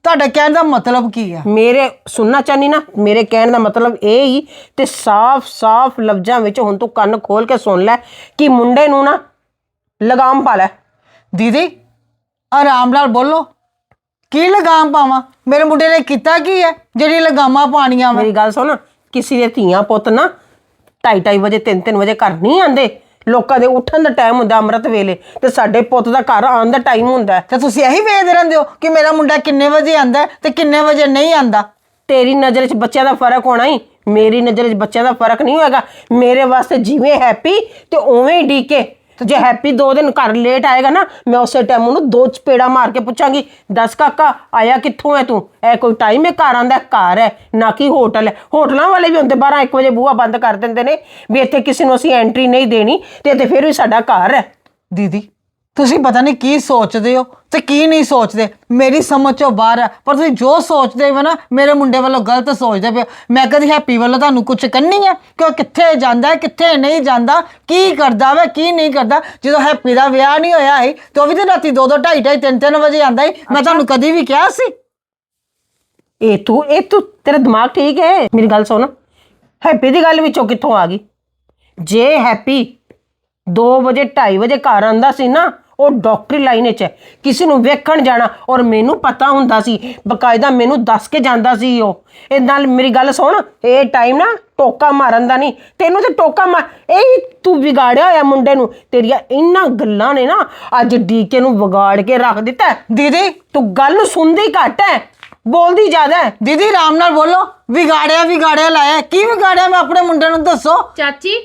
[SPEAKER 5] ਤੁਹਾਡਾ ਕਹਿਣ ਦਾ ਮਤਲਬ ਕੀ ਆ?
[SPEAKER 2] ਮੇਰੇ ਸੁਣਨਾ ਚਾਹਨੀ ਨਾ, ਮੇਰੇ ਕਹਿਣ ਦਾ ਮਤਲਬ ਇਹ ਹੀ ਤੇ ਸਾਫ਼-ਸਾਫ਼ ਲਫ਼ਜ਼ਾਂ ਵਿੱਚ ਹੁਣ ਤੂੰ ਕੰਨ ਖੋਲ ਕੇ ਸੁਣ ਲੈ ਕਿ ਮੁੰਡੇ ਨੂੰ ਨਾ ਲਗਾਮ ਪਾ ਲੈ।
[SPEAKER 5] ਦੀਦੀ ਆਰਾਮ ਨਾਲ ਬੋਲੋ, ਕੀ ਲਗਾਮ ਪਾਵਾਂ? ਮੇਰੇ ਮੁੰਡੇ ਨੇ ਕੀਤਾ ਕੀ ਹੈ ਜਿਹੜੀ ਲਗਾਮਾਂ ਪਾਣੀਆਂ ਵਾ?
[SPEAKER 2] ਮੇਰੀ ਗੱਲ ਸੁਣ, ਕਿਸੇ ਦੇ ਧੀਆਂ ਪੁੱਤ ਨਾ ਢਾਈ ਢਾਈ ਵਜੇ ਤਿੰਨ ਤਿੰਨ ਵਜੇ ਘਰ ਨਹੀਂ ਆਉਂਦੇ। ਲੋਕਾਂ ਦੇ ਉੱਠਣ ਦਾ ਟਾਈਮ ਹੁੰਦਾ ਅੰਮ੍ਰਿਤ ਵੇਲੇ, ਤੇ ਸਾਡੇ ਪੁੱਤ ਦਾ ਘਰ ਆਉਣ ਦਾ ਟਾਈਮ ਹੁੰਦਾ।
[SPEAKER 5] ਤੇ ਤੁਸੀਂ ਇਹੀ ਵੇਖਦੇ ਰਹਿੰਦੇ ਹੋ ਕਿ ਮੇਰਾ ਮੁੰਡਾ ਕਿੰਨੇ ਵਜੇ ਆਂਦਾ ਤੇ ਕਿੰਨੇ ਵਜੇ ਨਹੀਂ ਆਂਦਾ?
[SPEAKER 2] ਤੇਰੀ ਨਜ਼ਰ 'ਚ ਬੱਚਿਆਂ ਦਾ ਫਰਕ ਹੋਣਾ ਹੀ, ਮੇਰੀ ਨਜ਼ਰ 'ਚ ਬੱਚਿਆਂ ਦਾ ਫਰਕ ਨਹੀਂ ਹੋਏਗਾ। ਮੇਰੇ ਵਾਸਤੇ ਜਿਵੇਂ ਹੈਪੀ ਤੇ ਉਵੇਂ ਹੀ ਡੀਕੇ। ਤੇ ਜੇ ਹੈਪੀ ਦੋ ਦਿਨ ਘਰ ਲੇਟ ਆਏਗਾ ਨਾ, ਮੈਂ ਉਸੇ ਟਾਈਮ ਉਹਨੂੰ ਦੋ ਚਪੇੜਾ ਮਾਰ ਕੇ ਪੁੱਛਾਂਗੀ, ਦੱਸ ਕਾਕਾ ਆਇਆ ਕਿੱਥੋਂ ਹੈ ਤੂੰ? ਇਹ ਕੋਈ ਟਾਈਮ ਹੈ ਘਰ ਆਂਦਾ? ਘਰ ਹੈ ਨਾ ਕਿ ਹੋਟਲ ਹੈ। ਹੋਟਲਾਂ ਵਾਲੇ ਵੀ ਹੁੰਦੇ ਬਾਰਾਂ ਇੱਕ ਵਜੇ ਬੂਹਾ ਬੰਦ ਕਰ ਦਿੰਦੇ ਨੇ ਵੀ ਇੱਥੇ ਕਿਸੇ ਨੂੰ ਅਸੀਂ ਐਂਟਰੀ ਨਹੀਂ ਦੇਣੀ, ਤੇ ਇੱਥੇ ਫਿਰ ਵੀ ਸਾਡਾ ਘਰ ਹੈ।
[SPEAKER 5] ਦੀਦੀ ਤੁਸੀਂ ਪਤਾ ਨਹੀਂ ਕੀ ਸੋਚਦੇ ਹੋ ਤੇ ਕੀ ਨਹੀਂ ਸੋਚਦੇ, ਮੇਰੀ ਸਮਝ ਚੋਂ ਬਾਹਰ ਹੈ। ਪਰ ਤੁਸੀਂ ਜੋ ਸੋਚਦੇ ਹੋ ਨਾ ਮੇਰੇ ਮੁੰਡੇ ਵੱਲੋਂ ਗਲਤ ਸੋਚਦੇ ਪਏ ਹੋ। ਮੈਂ ਕਦੀ ਹੈਪੀ ਵੱਲੋਂ ਤੁਹਾਨੂੰ ਕੁਝ ਕਹਿੰਨੀ ਹੈ ਕਿ ਉਹ ਕਿੱਥੇ ਜਾਂਦਾ ਕਿੱਥੇ ਨਹੀਂ ਜਾਂਦਾ, ਕੀ ਕਰਦਾ ਵਾ ਕੀ ਨਹੀਂ ਕਰਦਾ? ਜਦੋਂ ਹੈਪੀ ਦਾ ਵਿਆਹ ਨਹੀਂ ਹੋਇਆ ਸੀ ਤੇ ਉਹ ਵੀ ਤੇ ਰਾਤੀ ਦੋ ਦੋ ਢਾਈ ਢਾਈ ਤਿੰਨ ਤਿੰਨ ਵਜੇ ਆਂਦਾ ਸੀ। ਮੈਂ ਤੁਹਾਨੂੰ ਕਦੀ ਵੀ ਕਿਹਾ ਸੀ?
[SPEAKER 2] ਇਹ ਤੂੰ ਇਹ ਤੂੰ ਤੇਰਾ ਦਿਮਾਗ ਠੀਕ ਹੈ? ਮੇਰੀ ਗੱਲ ਸੁਣ, ਹੈਪੀ ਦੀ ਗੱਲ ਵਿੱਚੋਂ ਕਿੱਥੋਂ ਆ ਗਈ? ਜੇ ਹੈਪੀ ਦੋ ਵਜੇ ਢਾਈ ਵਜੇ ਘਰ ਆਉਂਦਾ ਸੀ ਨਾ, ਉਹ ਡਾਕਟਰੀ ਲਾਈਨ 'ਚ ਹੈ, ਕਿਸੇ ਨੂੰ ਵੇਖਣ ਜਾਣਾ, ਔਰ ਮੈਨੂੰ ਪਤਾ ਹੁੰਦਾ ਸੀ, ਬਕਾਇਦਾ ਮੈਨੂੰ ਦੱਸ ਕੇ ਜਾਂਦਾ ਸੀ ਉਹ। ਇਹ ਨਾਲ ਮੇਰੀ ਗੱਲ ਸੁਣ, ਇਹ ਟਾਈਮ ਨਾ ਟੋਕਾ ਮਾਰਨ ਦਾ ਨਹੀਂ, ਤੈਨੂੰ ਤੇ ਟੋਕਾ ਮਾਰ ਇਹ ਤੂੰ ਵਿਗਾੜਿਆ ਹੋਇਆ ਮੁੰਡੇ ਨੂੰ। ਤੇਰੀਆਂ ਇਹਨਾਂ ਗੱਲਾਂ ਨੇ ਨਾ ਅੱਜ ਡੀਕੇ ਨੂੰ ਵਿਗਾੜ ਕੇ ਰੱਖ ਦਿੱਤਾ।
[SPEAKER 5] ਦੀਦੀ
[SPEAKER 2] ਤੂੰ ਗੱਲ ਨੂੰ ਸੁਣਦੀ ਘੱਟ ਹੈ, ਬੋਲਦੀ ਜ਼ਿਆਦਾ ਹੈ।
[SPEAKER 5] ਦੀਦੀ ਆਰਾਮ ਨਾਲ ਬੋਲੋ, ਵਿਗਾੜਿਆ ਵਿਗਾੜਿਆ ਲਾਇਆ ਕੀ ਵਿਗਾੜਿਆ ਮੈਂ ਆਪਣੇ ਮੁੰਡੇ ਨੂੰ? ਦੱਸੋ।
[SPEAKER 1] ਚਾਚੀ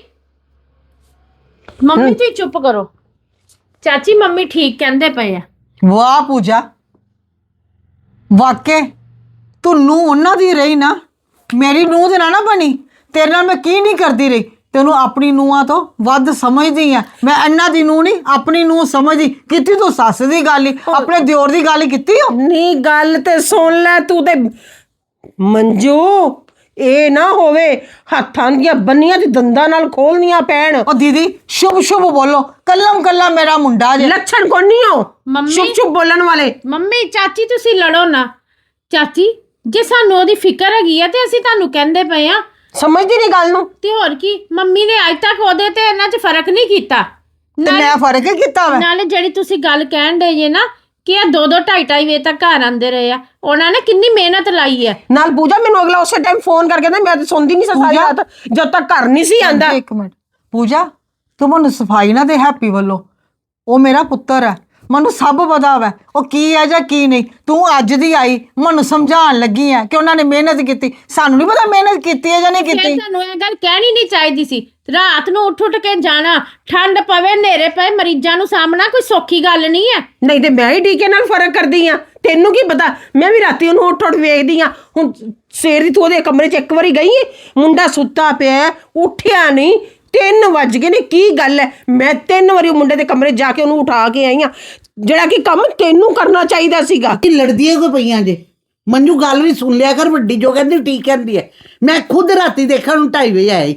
[SPEAKER 1] ਮੰਮੀ ਤੁਸੀਂ ਚੁੱਪ ਕਰੋ। ਚਾਚੀ ਮੰਮੀ ਠੀਕ ਕਹਿੰਦੇ ਪਏ ਆ।
[SPEAKER 5] ਵਾਹ ਪੂਜਾ, ਵਾਕੇ ਤੂੰ ਨੂੰਹ ਉਹਨਾਂ ਦੀ ਰਹੀ ਨਾ, ਮੇਰੀ ਨੂੰਹ ਦੇ ਨਾਲ ਨਾ ਬਣੀ। ਤੇਰੇ ਨਾਲ ਮੈਂ ਕੀ ਨਹੀਂ ਕਰਦੀ ਰਹੀ, ਤੈਨੂੰ ਆਪਣੀ ਨੂੰਹਾਂ ਤੋਂ ਵੱਧ ਸਮਝਦੀ ਆ ਮੈਂ। ਇਹਨਾਂ ਦੀ ਨੂੰਹ ਨਹੀਂ ਆਪਣੀ ਨੂੰਹ ਸਮਝਦੀ। ਕੀਤੀ ਤੂੰ ਸੱਸ ਦੀ ਗੱਲ ਹੀ, ਆਪਣੇ ਦਿਓਰ ਦੀ ਗੱਲ ਹੀ ਕੀਤੀ ਹੋ।
[SPEAKER 2] ਨਹੀਂ ਗੱਲ ਤੇ ਸੁਣ ਲੈ ਤੂੰ ਤੇ ਮੰਜੂ, ਇਹ ਨਾ ਹੋਵੇ ਹੱਥਾਂ ਦੀਆਂ ਬੰਨੀਆਂ ਤੇ ਦੰਦਾਂ ਨਾਲ ਖੋਲਣੀਆਂ ਪੈਣ।
[SPEAKER 5] ਉਹ ਦੀਦੀ ਸ਼ੁਭ ਸ਼ੁਭ ਬੋਲੋ, ਕੱਲਮ ਕੱਲਾ ਮੇਰਾ ਮੁੰਡਾ ਜੇ।
[SPEAKER 2] ਲੱਛਣ ਕੋਈ ਨਹੀਂ ਹੋ
[SPEAKER 1] ਮੰਮੀ-
[SPEAKER 2] ਚੁੱਪ ਚੁੱਪ ਬੋਲਣ ਵਾਲੇ।
[SPEAKER 1] ਮੰਮੀ ਚਾਚੀ ਤੁਸੀਂ ਲੜੋ ਨਾ। ਚਾਚੀ ਜੇ ਸਾਨੂੰ ਉਹਦੀ ਫਿਕਰ ਹੈਗੀ ਆ ਤੇ ਅਸੀਂ ਤੁਹਾਨੂੰ ਕਹਿੰਦੇ ਪਏ ਆ।
[SPEAKER 2] ਸਮਝਦੀ ਨਹੀਂ ਗੱਲ ਨੂੰ।
[SPEAKER 1] ਤੇ ਹੋਰ ਕੀ, ਮੰਮੀ ਨੇ ਅੱਜ ਤੱਕ ਉਹਦੇ ਤੇ ਇਹਨਾਂ 'ਚ ਫਰਕ ਨਹੀਂ ਕੀਤਾ।
[SPEAKER 5] ਤੇ ਮੈਂ ਫਰਕ ਹੀ ਕੀਤਾ ਵਾ।
[SPEAKER 1] ਨਾਲੇ ਜਿਹੜੀ ਤੁਸੀਂ ਗੱਲ ਕਹਿਣ ਦੇ ਜੇ ਨਾ ਕਿ ਇਹ ਦੋ ਦੋ ਢਾਈ ਢਾਈ ਵਜੇ ਤੱਕ ਘਰ ਆਉਂਦੇ ਰਹੇ ਆ, ਉਹਨਾਂ ਨੇ ਕਿੰਨੀ ਮਿਹਨਤ ਲਾਈ ਹੈ।
[SPEAKER 2] ਨਾਲ ਪੂਜਾ ਮੈਨੂੰ ਅਗਲਾ ਉਸੇ ਟਾਈਮ ਫੋਨ ਕਰਕੇ ਕਹਿੰਦਾ ਮੈਂ ਤਾਂ ਸੁਣਦੀ ਨਹੀਂ ਸੀ ਸਾਰੀ ਰਾਤ ਜਦ ਤੱਕ ਘਰ ਨਹੀਂ ਸੀ ਆਂਦਾ।
[SPEAKER 5] ਇੱਕ ਮਿੰਟ ਪੂਜਾ, ਤੂੰ ਮੈਨੂੰ ਸਫਾਈ ਨਾ ਦੇ ਹੈਪੀ ਵੱਲੋਂ। ਉਹ ਮੇਰਾ ਪੁੱਤਰ ਹੈ, ਮੈਨੂੰ ਸਭ ਪਤਾ ਵਾ ਉਹ ਕੀ ਹੈ ਜਾਂ ਕੀ ਨਹੀਂ। ਤੂੰ ਅੱਜ ਦੀ ਆਈ ਮੈਨੂੰ ਸਮਝਾਉਣ ਲੱਗੀ ਹੈ ਕਿ ਉਹਨਾਂ ਨੇ ਮਿਹਨਤ ਕੀਤੀ। ਸਾਨੂੰ ਨਹੀਂ ਪਤਾ ਮਿਹਨਤ ਕੀਤੀ ਹੈ ਜਾਂ ਨਹੀਂ
[SPEAKER 1] ਫਿਰ
[SPEAKER 5] ਕੀਤੀ।
[SPEAKER 1] ਤੁਹਾਨੂੰ ਇਹ ਗੱਲ ਕਹਿਣੀ ਨਹੀਂ ਚਾਹੀਦੀ ਸੀ। ਰਾਤ ਨੂੰ ਉੱਠ ਉੱਠ ਕੇ ਜਾਣਾ, ਠੰਡ ਪਵੇ ਹਨੇਰੇ ਪਏ, ਮਰੀਜ਼ਾਂ ਨੂੰ ਸਾਹਮਣਾ ਕੋਈ ਸੌਖੀ ਗੱਲ ਨਹੀਂ ਹੈ।
[SPEAKER 2] ਨਹੀਂ ਤੇ ਮੈਂ ਹੀ ਡੀਕੇ ਨਾਲ ਫਰਕ ਕਰਦੀ ਆ, ਤੈਨੂੰ ਕੀ ਪਤਾ? ਮੈਂ ਵੀ ਰਾਤੀ ਉਹਨੂੰ ਉੱਠ ਉੱਠ ਵੇਖਦੀ ਆ। ਹੁਣ ਸਵੇਰ ਦੀ ਤੂੰ ਉਹਦੇ ਕਮਰੇ 'ਚ ਇੱਕ ਵਾਰੀ ਗਈ ਏ, ਮੁੰਡਾ ਸੁੱਤਾ ਪਿਆ ਉੱਠਿਆ ਨਹੀਂ, ਤਿੰਨ ਵੱਜ ਗਏ ਨੇ। ਕੀ ਗੱਲ ਹੈ? ਮੈਂ ਤਿੰਨ ਵਾਰੀ ਉਹ ਮੁੰਡੇ ਦੇ ਕਮਰੇ ਜਾ ਕੇ ਉਹਨੂੰ ਉਠਾ ਕੇ ਆਈ ਆ, ਜਿਹੜਾ ਕਿ ਕੰਮ ਤੈਨੂੰ ਕਰਨਾ ਚਾਹੀਦਾ ਸੀਗਾ।
[SPEAKER 4] ਕਿ ਲੜਦੀਆਂ ਕੋ ਪਈਆਂ ਜੇ? ਮੰਜੂ ਗੱਲ ਵੀ ਸੁਣ ਲਿਆ ਕਰ, ਵੱਡੀ ਜੋ ਕਹਿੰਦੀ ਠੀਕ ਕਹਿੰਦੀ ਹੈ। ਮੈਂ ਖੁਦ ਰਾਤੀ ਦੇਖਣ ਨੂੰ ਢਾਈ ਵਜੇ ਆਇਆ ਈ,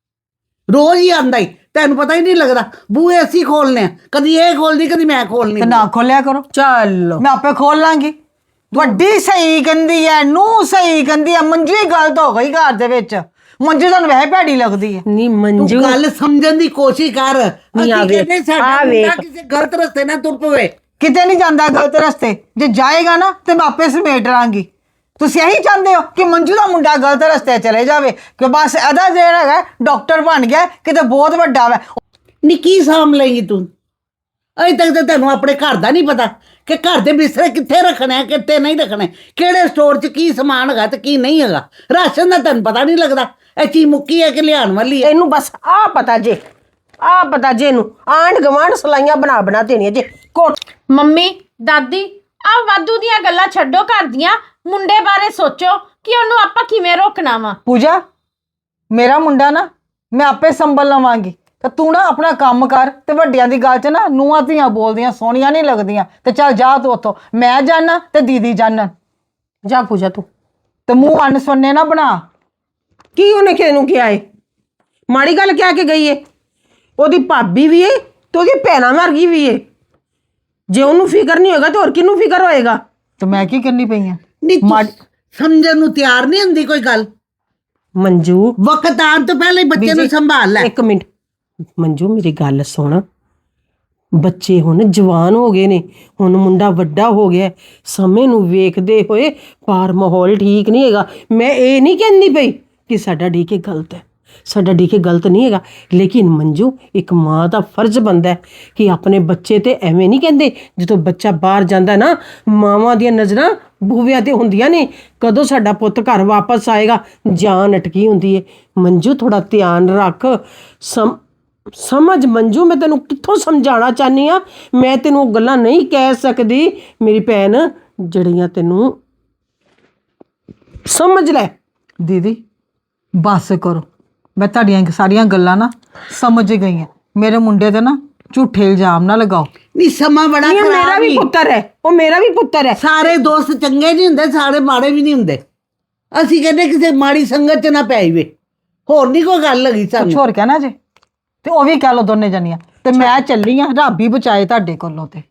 [SPEAKER 4] ਰੋਜ਼ ਹੀ ਆਂਦਾ ਈ, ਤੈਨੂੰ ਪਤਾ ਹੀ ਨਹੀਂ ਲੱਗਦਾ। ਬੂਹੇ ਅਸੀਂ ਖੋਲਨੇ ਆ, ਕਦੀ ਇਹ ਖੋਲਦੀ ਕਦੀ ਮੈਂ ਖੋਲਨੀ।
[SPEAKER 5] ਤੇ ਨਾ ਖੋਲਿਆ ਕਰੋ,
[SPEAKER 2] ਚੱਲ
[SPEAKER 5] ਮੈਂ ਆਪੇ ਖੋਲ ਲਾਂਗੀ। ਵੱਡੀ ਸਹੀ ਕਹਿੰਦੀ ਹੈ, ਨੂੰ ਸਹੀ ਕਹਿੰਦੀ ਹੈ। ਮੰਜੂ ਹੀ ਗਲਤ ਹੋ ਗਈ ਘਰ ਦੇ ਵਿੱਚ। ਮੰਜੂ ਤੁਹਾਨੂੰ ਵੈਸੇ ਭੈੜੀ ਲੱਗਦੀ ਹੈ।
[SPEAKER 2] ਨਹੀਂ
[SPEAKER 4] ਤੂੰ
[SPEAKER 2] ਮੰਜੂ
[SPEAKER 4] ਗੱਲ ਸਮਝਣ ਦੀ ਕੋਸ਼ਿਸ਼ ਕਰ।
[SPEAKER 2] ਨਹੀਂ, ਆ
[SPEAKER 4] ਅਸੀਂ
[SPEAKER 2] ਵੇਖ,
[SPEAKER 4] ਕਹਿੰਦੇ ਸਾਡਾ
[SPEAKER 2] ਆ
[SPEAKER 4] ਮੁੰਡਾ
[SPEAKER 2] ਵੇਖ।
[SPEAKER 4] ਕਿਸੇ ਗਲਤ ਰਸਤੇ ਨਾ ਤੁਰ ਪਵੇ।
[SPEAKER 5] ਕਿਤੇ ਨਹੀਂ ਜਾਂਦਾ ਗਲਤ ਰਸਤੇ, ਜੇ ਜਾਏਗਾ ਨਾ ਤੇ ਮੈਂ ਆਪੇ ਸਮੇਟ ਲਾਂਗੀ। ਤੁਸੀਂ ਇਹੀ ਚਾਹੁੰਦੇ ਹੋ ਕਿ ਮੰਜੂ ਦਾ ਮੁੰਡਾ ਗਲਤ ਰਸਤੇ ਚਲੇ ਜਾਵੇ, ਕਿ ਬਸ ਇਹਦਾ ਜਿਹੜਾ ਹੈਗਾ ਡਾਕਟਰ ਬਣ ਗਿਆ ਕਿਤੇ ਬਹੁਤ ਵੱਡਾ ਵਾ।
[SPEAKER 4] ਨੀ ਕੀ ਸਾਂਭ ਲਏਗੀ ਤੂੰ? ਅਜੇ ਤੱਕ ਤਾਂ ਤੈਨੂੰ ਆਪਣੇ ਘਰ ਦਾ ਨਹੀਂ ਪਤਾ ਕਿ ਘਰ ਦੇ ਬਿਸਤਰੇ ਕਿੱਥੇ ਰੱਖਣੇ ਆ ਕਿੱਥੇ ਨਹੀਂ ਰੱਖਣੇ, ਕਿਹੜੇ ਸਟੋਰ 'ਚ ਕੀ ਸਮਾਨ ਹੈਗਾ ਤੇ ਕੀ ਨਹੀਂ ਹੈਗਾ। ਰਾਸ਼ਨ ਦਾ ਤੈਨੂੰ ਪਤਾ ਨਹੀਂ ਲੱਗਦਾ ਇਹ ਚੀਜ਼ ਮੁੱਕੀ ਹੈ ਕਿ ਲਿਆਉਣ ਵਾਲੀ ਹੈ।
[SPEAKER 2] ਇਹਨੂੰ ਬਸ ਆ ਪਤਾ ਜੇ, ਆ ਪਤਾ ਜੇ ਇਹਨੂੰ ਆਂਢ ਗਵਾਂਢ ਸਲਾਈਆਂ ਬਣਾ ਬਣਾ ਦੇਣੀਆਂ ਜੇ। ਕੋਟ
[SPEAKER 1] ਮੰਮੀ ਦਾਦੀ ਆ ਵਾਧੂ ਦੀਆਂ ਗੱਲਾਂ ਛੱਡੋ, ਘਰ ਦੀਆਂ ਮੁੰਡੇ ਬਾਰੇ ਸੋਚੋ ਕਿ ਉਹਨੂੰ ਆਪਾਂ ਕਿਵੇਂ ਰੋਕਣਾ ਵਾ।
[SPEAKER 5] ਪੂਜਾ ਮੇਰਾ ਮੁੰਡਾ ਨਾ ਮੈਂ ਆਪੇ ਸੰਭਲ ਲਵਾਂਗੀ, ਤੇ ਤੂੰ ਨਾ ਆਪਣਾ ਕੰਮ ਕਰ। ਤੇ ਵੱਡਿਆਂ ਦੀ ਗੱਲ 'ਚ ਨਾ ਨੂੰਹਾਂ ਧੀਆਂ ਬੋਲਦੀਆਂ ਸੋਹਣੀਆਂ ਨਹੀਂ ਲੱਗਦੀਆਂ। ਤੇ ਚੱਲ ਜਾ ਤੂੰ ਉੱਥੋਂ, ਮੈਂ ਜਾਣਾ ਤੇ ਦੀਦੀ ਜਾਣਨ।
[SPEAKER 2] ਜਾ ਪੂਜਾ ਤੂੰ।
[SPEAKER 5] ਤੇ ਮੂੰਹ ਅੰਨ ਸੁਣਨੇ ਨਾ ਬਣਾ।
[SPEAKER 2] ਕੀ ਉਹਨੇ ਕਿਸੇ ਨੂੰ ਕਿਹਾ ਏ? ਮਾੜੀ ਗੱਲ ਕਹਿ ਕੇ ਗਈ ਏ? ਉਹਦੀ ਭਾਬੀ ਵੀ ਏ ਤੇ ਉਹਦੀ ਭੈਣਾਂ ਵਰਗੀ ਵੀ ਏ। ਜੇ ਉਹਨੂੰ ਫਿਕਰ ਨਹੀਂ ਹੋਏਗਾ ਤੇ ਹੋਰ ਕਿਹਨੂੰ ਫਿਕਰ ਹੋਏਗਾ?
[SPEAKER 5] ਤੇ ਮੈਂ ਕੀ ਕਰਨੀ ਪਈ ਆ?
[SPEAKER 4] ਨਹੀਂ ਤੂੰ ਸਮਝਣ ਨੂੰ ਤਿਆਰ ਨਹੀਂ ਹੁੰਦੀ ਕੋਈ ਗੱਲ।
[SPEAKER 2] ਮੰਜੂ
[SPEAKER 4] ਵਕਤ ਆਉਣ ਤੋਂ ਪਹਿਲਾਂ ਹੀ ਬੱਚੇ ਨੂੰ ਸੰਭਾਲ ਲੈ।
[SPEAKER 2] ਇੱਕ ਮਿੰਟ ਮੰਜੂ, ਮੇਰੀ ਗੱਲ ਸੁਣ। ਬੱਚੇ ਹੁਣ ਜਵਾਨ ਹੋ ਗਏ ਨੇ, ਹੁਣ ਮੁੰਡਾ ਵੱਡਾ ਹੋ ਗਿਆ, ਸਮੇਂ ਨੂੰ ਵੇਖਦੇ ਹੋਏ ਬਾਹਰ ਮਾਹੌਲ ਠੀਕ ਨਹੀਂ ਹੈਗਾ। ਮੈਂ ਇਹ ਨਹੀਂ ਕਹਿੰਦੀ ਪਈ ਕਿ ਸਾਡਾ ਡੀਕੇ ਗਲਤ ਹੈ, ਸਾਡਾ ਡੀਕੇ ਗਲਤ ਨਹੀਂ ਹੈਗਾ, ਲੇਕਿਨ ਮੰਜੂ ਇੱਕ ਮਾਂ ਦਾ ਫਰਜ਼ ਬਣਦਾ ਹੈ ਕਿ ਆਪਣੇ ਬੱਚੇ ਤੇ ਐਵੇਂ ਨਹੀਂ ਕਹਿੰਦੇ। ਜਦੋਂ ਬੱਚਾ ਬਾਹਰ ਜਾਂਦਾ ਨਾ, ਮਾਵਾਂ ਦੀਆਂ ਨਜ਼ਰਾਂ ਬੂਹਿਆਂ ਤੇ ਹੁੰਦੀਆਂ ਨੇ, ਕਦੋਂ ਸਾਡਾ ਪੁੱਤ ਘਰ ਵਾਪਸ ਆਏਗਾ, ਜਾਨ ਅਟਕੀ ਹੁੰਦੀ ਹੈ। ਮੰਜੂ ਥੋੜਾ ਧਿਆਨ ਰੱਖ, ਸਮ ਸਮਝ ਮੰਜੂ, ਮੈਂ ਤੈਨੂੰ ਕਿੱਥੋਂ ਸਮਝਾਉਣਾ ਚਾਹਨੀ ਆ। ਮੈਂ ਤੈਨੂੰ ਉਹ ਗੱਲਾਂ ਨਹੀਂ ਕਹਿ ਸਕਦੀ ਮੇਰੀ ਭੈਣ ਜਿਹੜੀਆਂ ਤੈਨੂੰ, ਸਮਝ ਲੈ।
[SPEAKER 5] ਦੀਦੀ ਬਸ ਕਰੋ, ਮੈਂ ਤੁਹਾਡੀਆਂ ਸਾਰੀਆਂ ਗੱਲਾਂ ਨਾ ਸਮਝ ਗਈ ਹਾਂ। ਮੇਰੇ ਮੁੰਡੇ ਤੇ ਨਾ ਝੂਠੇ ਇਲਜ਼ਾਮ ਨਾ ਲਗਾਓ।
[SPEAKER 4] ਨਹੀਂ ਸਮਾਂ ਬੜਾ
[SPEAKER 2] ਇਹ ਮੇਰਾ
[SPEAKER 4] ਖਰਾਬ
[SPEAKER 2] ਵੀ
[SPEAKER 4] ਹੀ।
[SPEAKER 2] ਪੁੱਤਰ ਹੈ, ਉਹ ਮੇਰਾ ਵੀ ਪੁੱਤਰ ਹੈ।
[SPEAKER 4] ਸਾਰੇ ਦੋਸਤ ਚੰਗੇ ਨਹੀਂ ਹੁੰਦੇ, ਸਾਰੇ ਮਾੜੇ ਵੀ ਨਹੀਂ ਹੁੰਦੇ। ਅਸੀਂ ਕਹਿੰਦੇ ਕਿਸੇ ਮਾੜੀ ਸੰਗਤ ਚ ਨਾ ਪੈ ਜਾਵੇ, ਹੋਰ ਨਹੀਂ ਕੋਈ ਗੱਲ ਲੱਗੀ
[SPEAKER 5] ਕੁਛ
[SPEAKER 4] ਸਾਨੂੰ।
[SPEAKER 5] ਹੋਰ ਕਹਿਣਾ ਜੇ ਤੇ ਉਹ ਵੀ ਕਹਿ ਲਓ ਦੋਨੇ ਜਣੀਆਂ। ਤੇ ਮੈਂ ਚੱਲੀ ਆ, ਰੱਬ ਹੀ ਬਚਾਏ ਤੁਹਾਡੇ ਕੋਲੋਂ। ਤੇ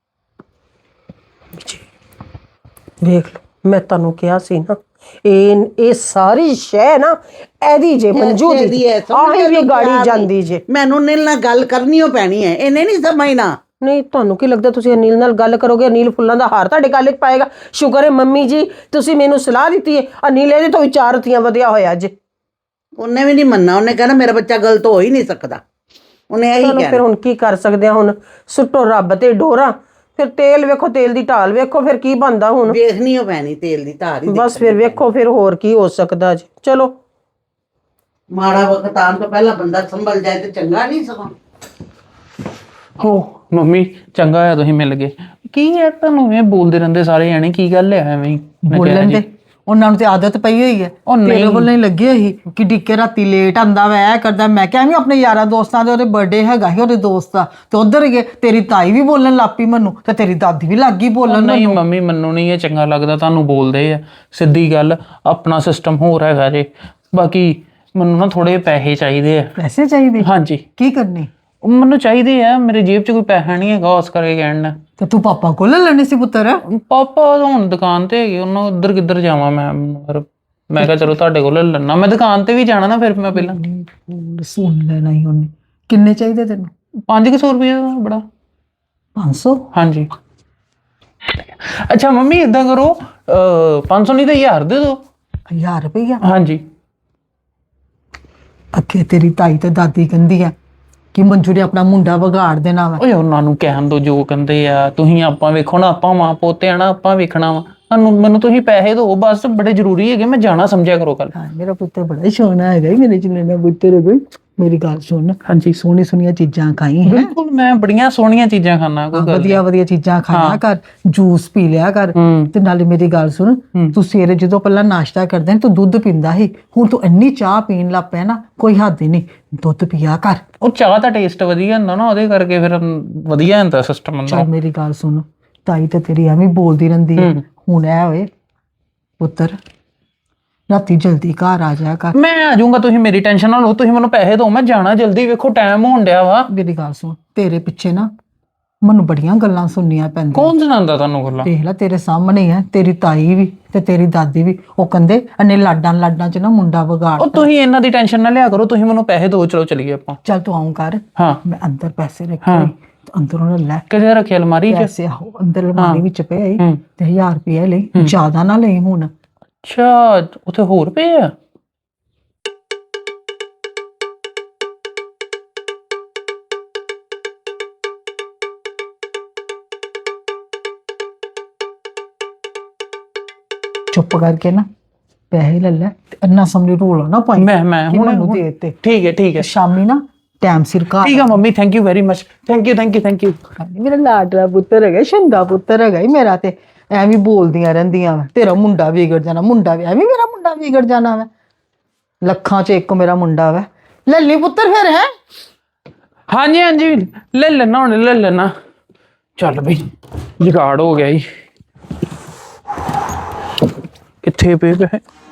[SPEAKER 2] ਵੇਖ ਲਓ, ਮੈਂ ਤੁਹਾਨੂੰ ਕਿਹਾ ਸੀ ਨਾ, ਇਹ ਇਹ ਸਾਰੀ ਸ਼ੈ ਨਾ ਇਹਦੀ ਜੇ ਮੰਜੂ ਦੀ, ਆਹੀ ਵੀ ਗਾੜੀ ਜਾਂਦੀ ਜੇ।
[SPEAKER 4] ਮੈਨੂੰ ਨੀਲ ਨਾਲ ਗੱਲ ਕਰਨੀ ਓ ਪੈਣੀ ਹੈ, ਇਹਨੇ ਨਹੀਂ ਸਮਝਣਾ।
[SPEAKER 2] ਨਹੀਂ ਤੁਹਾਨੂੰ ਕੀ ਲੱਗਦਾ ਤੁਸੀਂ ਅਨੀਲ ਨਾਲ ਗੱਲ ਕਰੋਗੇ, ਅਨੀਲ ਫੁੱਲਾਂ ਦਾ ਹਾਰ ਤੁਹਾਡੇ ਗਲ 'ਚ ਪਾਏਗਾ? ਸ਼ੁਕਰ ਹੈ ਮੰਮੀ ਜੀ ਤੁਸੀਂ ਮੈਨੂੰ ਸਲਾਹ ਦਿੱਤੀ ਹੈ, ਅਨੀਲ ਇਹਦੇ ਤੋਂ ਵਿਚਾਰ ਰਤੀਆਂ ਵਧਿਆ ਹੋਇਆ ਅੱਜ।
[SPEAKER 4] ਉਹਨੇ ਵੀ ਨਹੀਂ ਮੰਨਣਾ, ਉਹਨੇ ਕਹਿਣਾ ਮੇਰਾ ਬੱਚਾ ਗਲਤ ਹੋ ਹੀ ਨਹੀਂ ਸਕਦਾ, ਉਹਨੇ ਇਹੀ
[SPEAKER 2] ਚਲੋ ਫਿਰ
[SPEAKER 4] ਕਹਿਣਾ।
[SPEAKER 2] ਹੁਣ ਕੀ ਕਰ ਸਕਦੇ ਆ, ਹੁਣ ਸੁੱਟੋ ਰੱਬ ਤੇ ਡੋਰਾ। ਫਿਰ ਤੇਲ ਵੇਖੋ, ਤੇਲ ਦੀ ਢਾਲ ਵੇਖੋ, ਫਿਰ ਕੀ ਬਣਦਾ ਹੁਣ।
[SPEAKER 4] ਵੇਖਣੀ ਓ ਪੈਣੀ ਤੇਲ ਦੀ ਧਾਰ ਹੀ।
[SPEAKER 2] ਬਸ ਫਿਰ ਵੇਖੋ, ਫਿਰ ਹੋਰ ਕੀ ਹੋ ਸਕਦਾ ਜੀ। ਚਲੋ
[SPEAKER 4] ਮਾੜਾ ਵਕਤ ਆਉਣ ਤੋਂ ਪਹਿਲਾਂ ਬੰਦਾ ਸੰਭਲ ਜਾਏ ਤੇ ਚੰਗਾ ਨਹੀਂ ਸਗੋਂ।
[SPEAKER 3] ਹੋ ਮੰਮੀ, ਚੰਗਾ ਹੋਇਆ ਤੁਸੀਂ ਮਿਲ ਗਏ। ਕੀ ਹੈ ਤੁਹਾਨੂੰ ਇਹ ਬੋਲਦੇ ਰਹਿੰਦੇ ਸਾਰੇ ਜਾਣੇ, ਕੀ ਗੱਲ ਹੈ ਐਵੇਂ ਹੀ? ਮੈਂ ਕਿਹਾ
[SPEAKER 5] ਬੋਲਣ
[SPEAKER 3] ਜੀ,
[SPEAKER 5] ਦੇ ਉਹਨਾਂ ਨੂੰ ਤੇ ਆਦਤ ਪਈ ਹੋਈ ਹੈ।
[SPEAKER 3] ਉਹ
[SPEAKER 5] ਤੇਰੇ
[SPEAKER 3] ਨਹੀਂ।
[SPEAKER 5] ਵੱਲੋਂ ਹੀ ਲੱਗੀ ਹੋਈ ਕਿ ਡਿੱਕੇ ਰਾਤੀ ਲੇਟ ਆਂਦਾ ਵਾ, ਇਹ ਕਰਦਾ। ਮੈਂ ਕਿਹਾ ਵੀ ਆਪਣੇ ਯਾਰਾਂ ਦੋਸਤਾਂ ਦੇ, ਉਹਦੇ ਬਰਥਡੇ ਹੈਗਾ ਸੀ ਉਹਦੇ ਦੋਸਤ ਦਾ, ਤੇ ਉਧਰ ਗਏ। ਤੇਰੀ ਤਾਈ ਵੀ ਬੋਲਣ ਲੱਗ ਪਈ ਮੈਨੂੰ, ਤੇ ਤੇਰੀ ਦਾਦੀ ਵੀ ਲੱਗ ਗਈ ਬੋਲਣ
[SPEAKER 3] ਨਹੀਂ
[SPEAKER 5] ਮੈਨੂੰ।
[SPEAKER 3] ਮੰਮੀ, ਮੈਨੂੰ ਨਹੀਂ ਇਹ ਚੰਗਾ ਲੱਗਦਾ ਤੁਹਾਨੂੰ ਬੋਲਦੇ ਆ। ਸਿੱਧੀ ਗੱਲ, ਆਪਣਾ ਸਿਸਟਮ ਹੋਰ ਹੈਗਾ ਜੇ। ਬਾਕੀ ਮੈਨੂੰ ਨਾ ਥੋੜੇ ਪੈਸੇ ਚਾਹੀਦੇ ਆ।
[SPEAKER 5] ਪੈਸੇ ਚਾਹੀਦੇ?
[SPEAKER 3] ਹਾਂਜੀ,
[SPEAKER 5] ਕੀ ਕਰਨੇ?
[SPEAKER 3] ਉਹ ਮੈਨੂੰ ਚਾਹੀਦੇ ਆ, ਮੇਰੇ ਜੇਬ 'ਚ ਕੋਈ ਪੈਸਾ ਨਹੀਂ ਹੈਗਾ, ਉਸ ਕਰਕੇ ਕਹਿਣ ਨਾ।
[SPEAKER 5] ਤੇ ਤੂੰ ਪਾਪਾ ਕੋਲ ਲੈ ਲੈਣੇ ਸੀ ਪੁੱਤਰ।
[SPEAKER 3] ਪਾਪਾ ਹੁਣ ਦੁਕਾਨ ਤੇ ਹੈਗੇ, ਉਹਨਾਂ ਉੱਧਰ ਕਿੱਧਰ ਜਾਵਾਂ ਮੈਂ? ਫਿਰ ਮੈਂ ਕਿਹਾ ਚਲੋ ਤੁਹਾਡੇ ਕੋਲ ਲੈ ਲੈਣਾ, ਮੈਂ ਦੁਕਾਨ ਤੇ ਵੀ ਜਾਣਾ ਨਾ, ਫਿਰ ਮੈਂ ਪਹਿਲਾਂ
[SPEAKER 5] ਬੋਲ ਸੁਣ ਲੈਣਾ ਹੀ ਉਹਨੇ। ਕਿੰਨੇ ਚਾਹੀਦੇ ਤੈਨੂੰ?
[SPEAKER 3] ਪੰਜ ਕੁ ਸੌ ਰੁਪਏ ਬੜਾ।
[SPEAKER 5] ਪੰਜ ਸੌ?
[SPEAKER 3] ਹਾਂਜੀ। ਅੱਛਾ ਮੰਮੀ, ਏਦਾਂ ਕਰੋ, ਪੰਜ ਸੌ ਨਹੀਂ ਤਾਂ ਹਜ਼ਾਰ ਦੇ ਦਿਓ।
[SPEAKER 5] ਹਜ਼ਾਰ ਰੁਪਈਆ?
[SPEAKER 3] ਹਾਂਜੀ।
[SPEAKER 5] ਅੱਗੇ ਤੇਰੀ ਤਾਈ ਤੇ ਦਾਦੀ ਕਹਿੰਦੀ ਆ ਕਿ ਮੰਜੂ ਨੇ ਆਪਣਾ ਮੁੰਡਾ ਵਿਗਾੜ ਦੇਣਾ ਵਾ।
[SPEAKER 3] ਓਏ ਉਹਨਾਂ ਨੂੰ ਕਹਿਣ ਦੋ ਜੋ ਕਹਿੰਦੇ ਆ, ਤੁਸੀਂ ਆਪਾਂ ਵੇਖੋ ਨਾ, ਆਪਾਂ ਮਾਂ ਪੋਤੇ ਆ ਨਾ, ਆਪਾਂ ਵੇਖਣਾ ਵਾ। ਸਾਨੂੰ ਮੈਨੂੰ ਤੁਸੀਂ ਪੈਸੇ ਦਿਓ ਬਸ, ਬੜੇ ਜ਼ਰੂਰੀ ਹੈਗੇ, ਮੈਂ ਜਾਣਾ ਸਮਝਿਆ ਕਰੋ ਕੱਲ।
[SPEAKER 5] ਹਾਂ, ਮੇਰਾ ਪੁੱਤਰ ਬੜਾ ਹੀ ਸੋਹਣਾ ਹੈਗਾ, ਮੇਰੇ ਜਿੰਨੇ ਦਾ ਪੁੱਤਰ ਹੈ ਕੋਈ। ਮੇਰੀ ਗੱਲ ਸੁਣ,
[SPEAKER 3] ਹਾਂਜੀ,
[SPEAKER 5] ਸੋਹਣੀ ਸੋਹਣੀਆਂ ਚੀਜ਼ਾਂ ਖਾਈ ਹੈ,
[SPEAKER 3] ਬਿਲਕੁਲ ਮੈਂ ਬੜੀਆਂ ਸੋਹਣੀਆਂ ਚੀਜ਼ਾਂ ਖਾਣਾ, ਕੋਈ ਗੱਲ
[SPEAKER 5] ਵਧੀਆ ਵਧੀਆ ਚੀਜ਼ਾਂ ਖਾਇਆ ਕਰ, ਜੂਸ ਪੀ ਲਿਆ ਕਰ।
[SPEAKER 3] ਹੂੰ।
[SPEAKER 5] ਤੇ ਨਾਲੇ ਮੇਰੀ ਗੱਲ ਸੁਣ, ਤੂੰ ਸਵੇਰੇ ਜਦੋਂ ਪਹਿਲਾਂ ਨਾਸ਼ਤਾ ਕਰਦਾ ਤੂੰ ਦੁੱਧ ਪੀਂਦਾ ਸੀ, ਹੁਣ ਤੂੰ ਇੰਨੀ ਚਾਹ ਪੀਣ ਲੱਗ ਪਿਆ ਨਾ, ਕੋਈ ਹੱਦ ਹੀ ਨਹੀਂ। ਦੁੱਧ ਪੀਆ ਕਰ।
[SPEAKER 3] ਉਹ ਚਾਹ ਦਾ ਟੇਸਟ ਵਧੀਆ ਹੁੰਦਾ ਨਾ, ਉਹਦੇ ਕਰਕੇ ਫਿਰ ਵਧੀਆ ਹੁੰਦਾ ਸਿਸਟਮ ਹੁੰਦਾ।
[SPEAKER 5] ਚੱਲ ਮੇਰੀ ਗੱਲ ਸੁਣ, ਤਾਈ ਤੇ ਤੇਰੀ ਐਵੇਂ ਬੋਲਦੀ ਰਹਿੰਦੀ ਹੈ, ਹੁਣ ਐ ਹੋਏ ਪੁੱਤਰ ਰਾਤੀ ਜਲਦੀ ਘਰ ਆ ਜਾਇਆ ਕਰ।
[SPEAKER 3] ਮੈਂ ਆ ਜਾਊਂਗਾ, ਤੁਸੀਂ ਮੇਰੀ ਟੈਨਸ਼ਨ ਨਾ ਲਓ, ਤੁਸੀਂ ਮੈਨੂੰ ਪੈਸੇ ਦਿਓ, ਮੈਂ ਜਾਣਾ ਜਲਦੀ। ਵੇਖੋ ਟਾਈਮ ਹੋਣ ਡਿਆ ਵਾ।
[SPEAKER 5] ਮੇਰੀ ਗੱਲ ਸੁਣ, ਤੇਰੇ ਪਿੱਛੇ ਨਾ ਮੈਨੂੰ ਬੜੀਆਂ ਗੱਲਾਂ ਸੁਣਨੀਆਂ ਪੈਂਦੀਆਂ।
[SPEAKER 3] ਕੌਣ ਸੁਣਾਉਂਦਾ ਤੁਹਾਨੂੰ ਗੱਲਾਂ?
[SPEAKER 5] ਦੇਖ ਲੈ ਤੇਰੇ ਸਾਹਮਣੇ ਹੀ ਹੈ, ਤੇਰੀ ਤਾਈ ਵੀ ਤੇ ਤੇਰੀ ਦਾਦੀ ਵੀ। ਉਹ ਕਹਿੰਦੇ ਅੰਨੇ ਲਾਡਾਂ ਲਾਡਾਂ ਚ ਨਾ ਮੁੰਡਾ ਵਿਗਾੜ।
[SPEAKER 3] ਉਹ ਤੁਸੀਂ ਇਹਨਾਂ ਦੀ ਟੈਨਸ਼ਨ ਨਾ ਲਿਆ ਕਰੋ, ਤੁਸੀਂ ਮੈਨੂੰ ਪੈਸੇ ਦਿਓ, ਚਲੋ ਚਲੀਏ ਆਪਾਂ।
[SPEAKER 5] ਚੱਲ ਤੂੰ ਆਉਂ ਕਰ,
[SPEAKER 3] ਹਾਂ।
[SPEAKER 5] ਮੈਂ ਅੰਦਰ ਪੈਸੇ ਰੱਖੇ, ਅੰਦਰੋਂ ਲੈ
[SPEAKER 3] ਕਿਹਦੇ ਰੱਖੇ? ਅਲਮਾਰੀ 'ਚ?
[SPEAKER 5] ਪੈਸੇ। ਆਹੋ, ਅੰਦਰ ਅਲਮਾਰੀ ਵਿੱਚ ਪਏ
[SPEAKER 3] ਹੂੰ।
[SPEAKER 5] ਤੇ ਹਜ਼ਾਰ ਰੁਪਏ ਲਈ, ਜ਼ਿਆਦਾ ਨਾ ਲਈ ਹੁਣ।
[SPEAKER 3] ਅੱਛਾ, ਉੱਥੇ ਹੋਰ ਪਏ ਆ?
[SPEAKER 5] ਚੁੱਪ ਕਰਕੇ ਨਾ ਪੈਸੇ ਲੈ ਲੈ, ਤੇ ਅੰਨਾ ਸਾਹਮਣੇ ਰੋਲਾ ਨਾ ਪਾਈ।
[SPEAKER 3] ਮੈਂ ਮੈਂ
[SPEAKER 5] ਕਿ
[SPEAKER 3] ਹੁਣ
[SPEAKER 5] ਮੈਨੂੰ ਦੇ ਦਿੱਤੇ।
[SPEAKER 3] ਠੀਕ ਹੈ, ਠੀਕ ਹੈ,
[SPEAKER 5] ਸ਼ਾਮੀ ਨਾ ਟਾਈਮ ਸਿਰ ਘਰ
[SPEAKER 3] ਠੀਕ ਹੈ mummy, thank you very much, thank you, thank you, thank you.
[SPEAKER 5] ਮੇਰਾ ਲਾਡਲਾ ਪੁੱਤਰ ਹੈਗਾ, ਸ਼ੰਗਾ ਪੁੱਤਰ ਹੈਗਾ ਈ ਮੇਰਾ। ਤੇ ਐਵੇਂ ਬੋਲਦੀਆਂ ਰਹਿੰਦੀਆਂ ਵਾ, ਤੇਰਾ ਮੁੰਡਾ ਵਿਗੜ ਜਾਣਾ, ਮੁੰਡਾ ਵੀ ਐਵੇਂ ਮੇਰਾ ਮੁੰਡਾ ਵਿਗੜ ਜਾਣਾ ਵਾ। ਲੱਖਾਂ ਚ ਇੱਕ ਮੇਰਾ ਮੁੰਡਾ ਵਾ। ਲੱਲੀ ਪੁੱਤਰ ਫਿਰ ਹੈ।
[SPEAKER 3] ਹਾਂਜੀ ਹਾਂਜੀ, ਲੈ ਲੈਣਾ ਹੁਣ, ਲੈ ਲੈਣਾ। ਚੱਲ ਬਈ, ਜੁਗਾੜ ਹੋ ਗਿਆ ਜੀ। ਕਿੱਥੇ ਪਏ ਪਏ?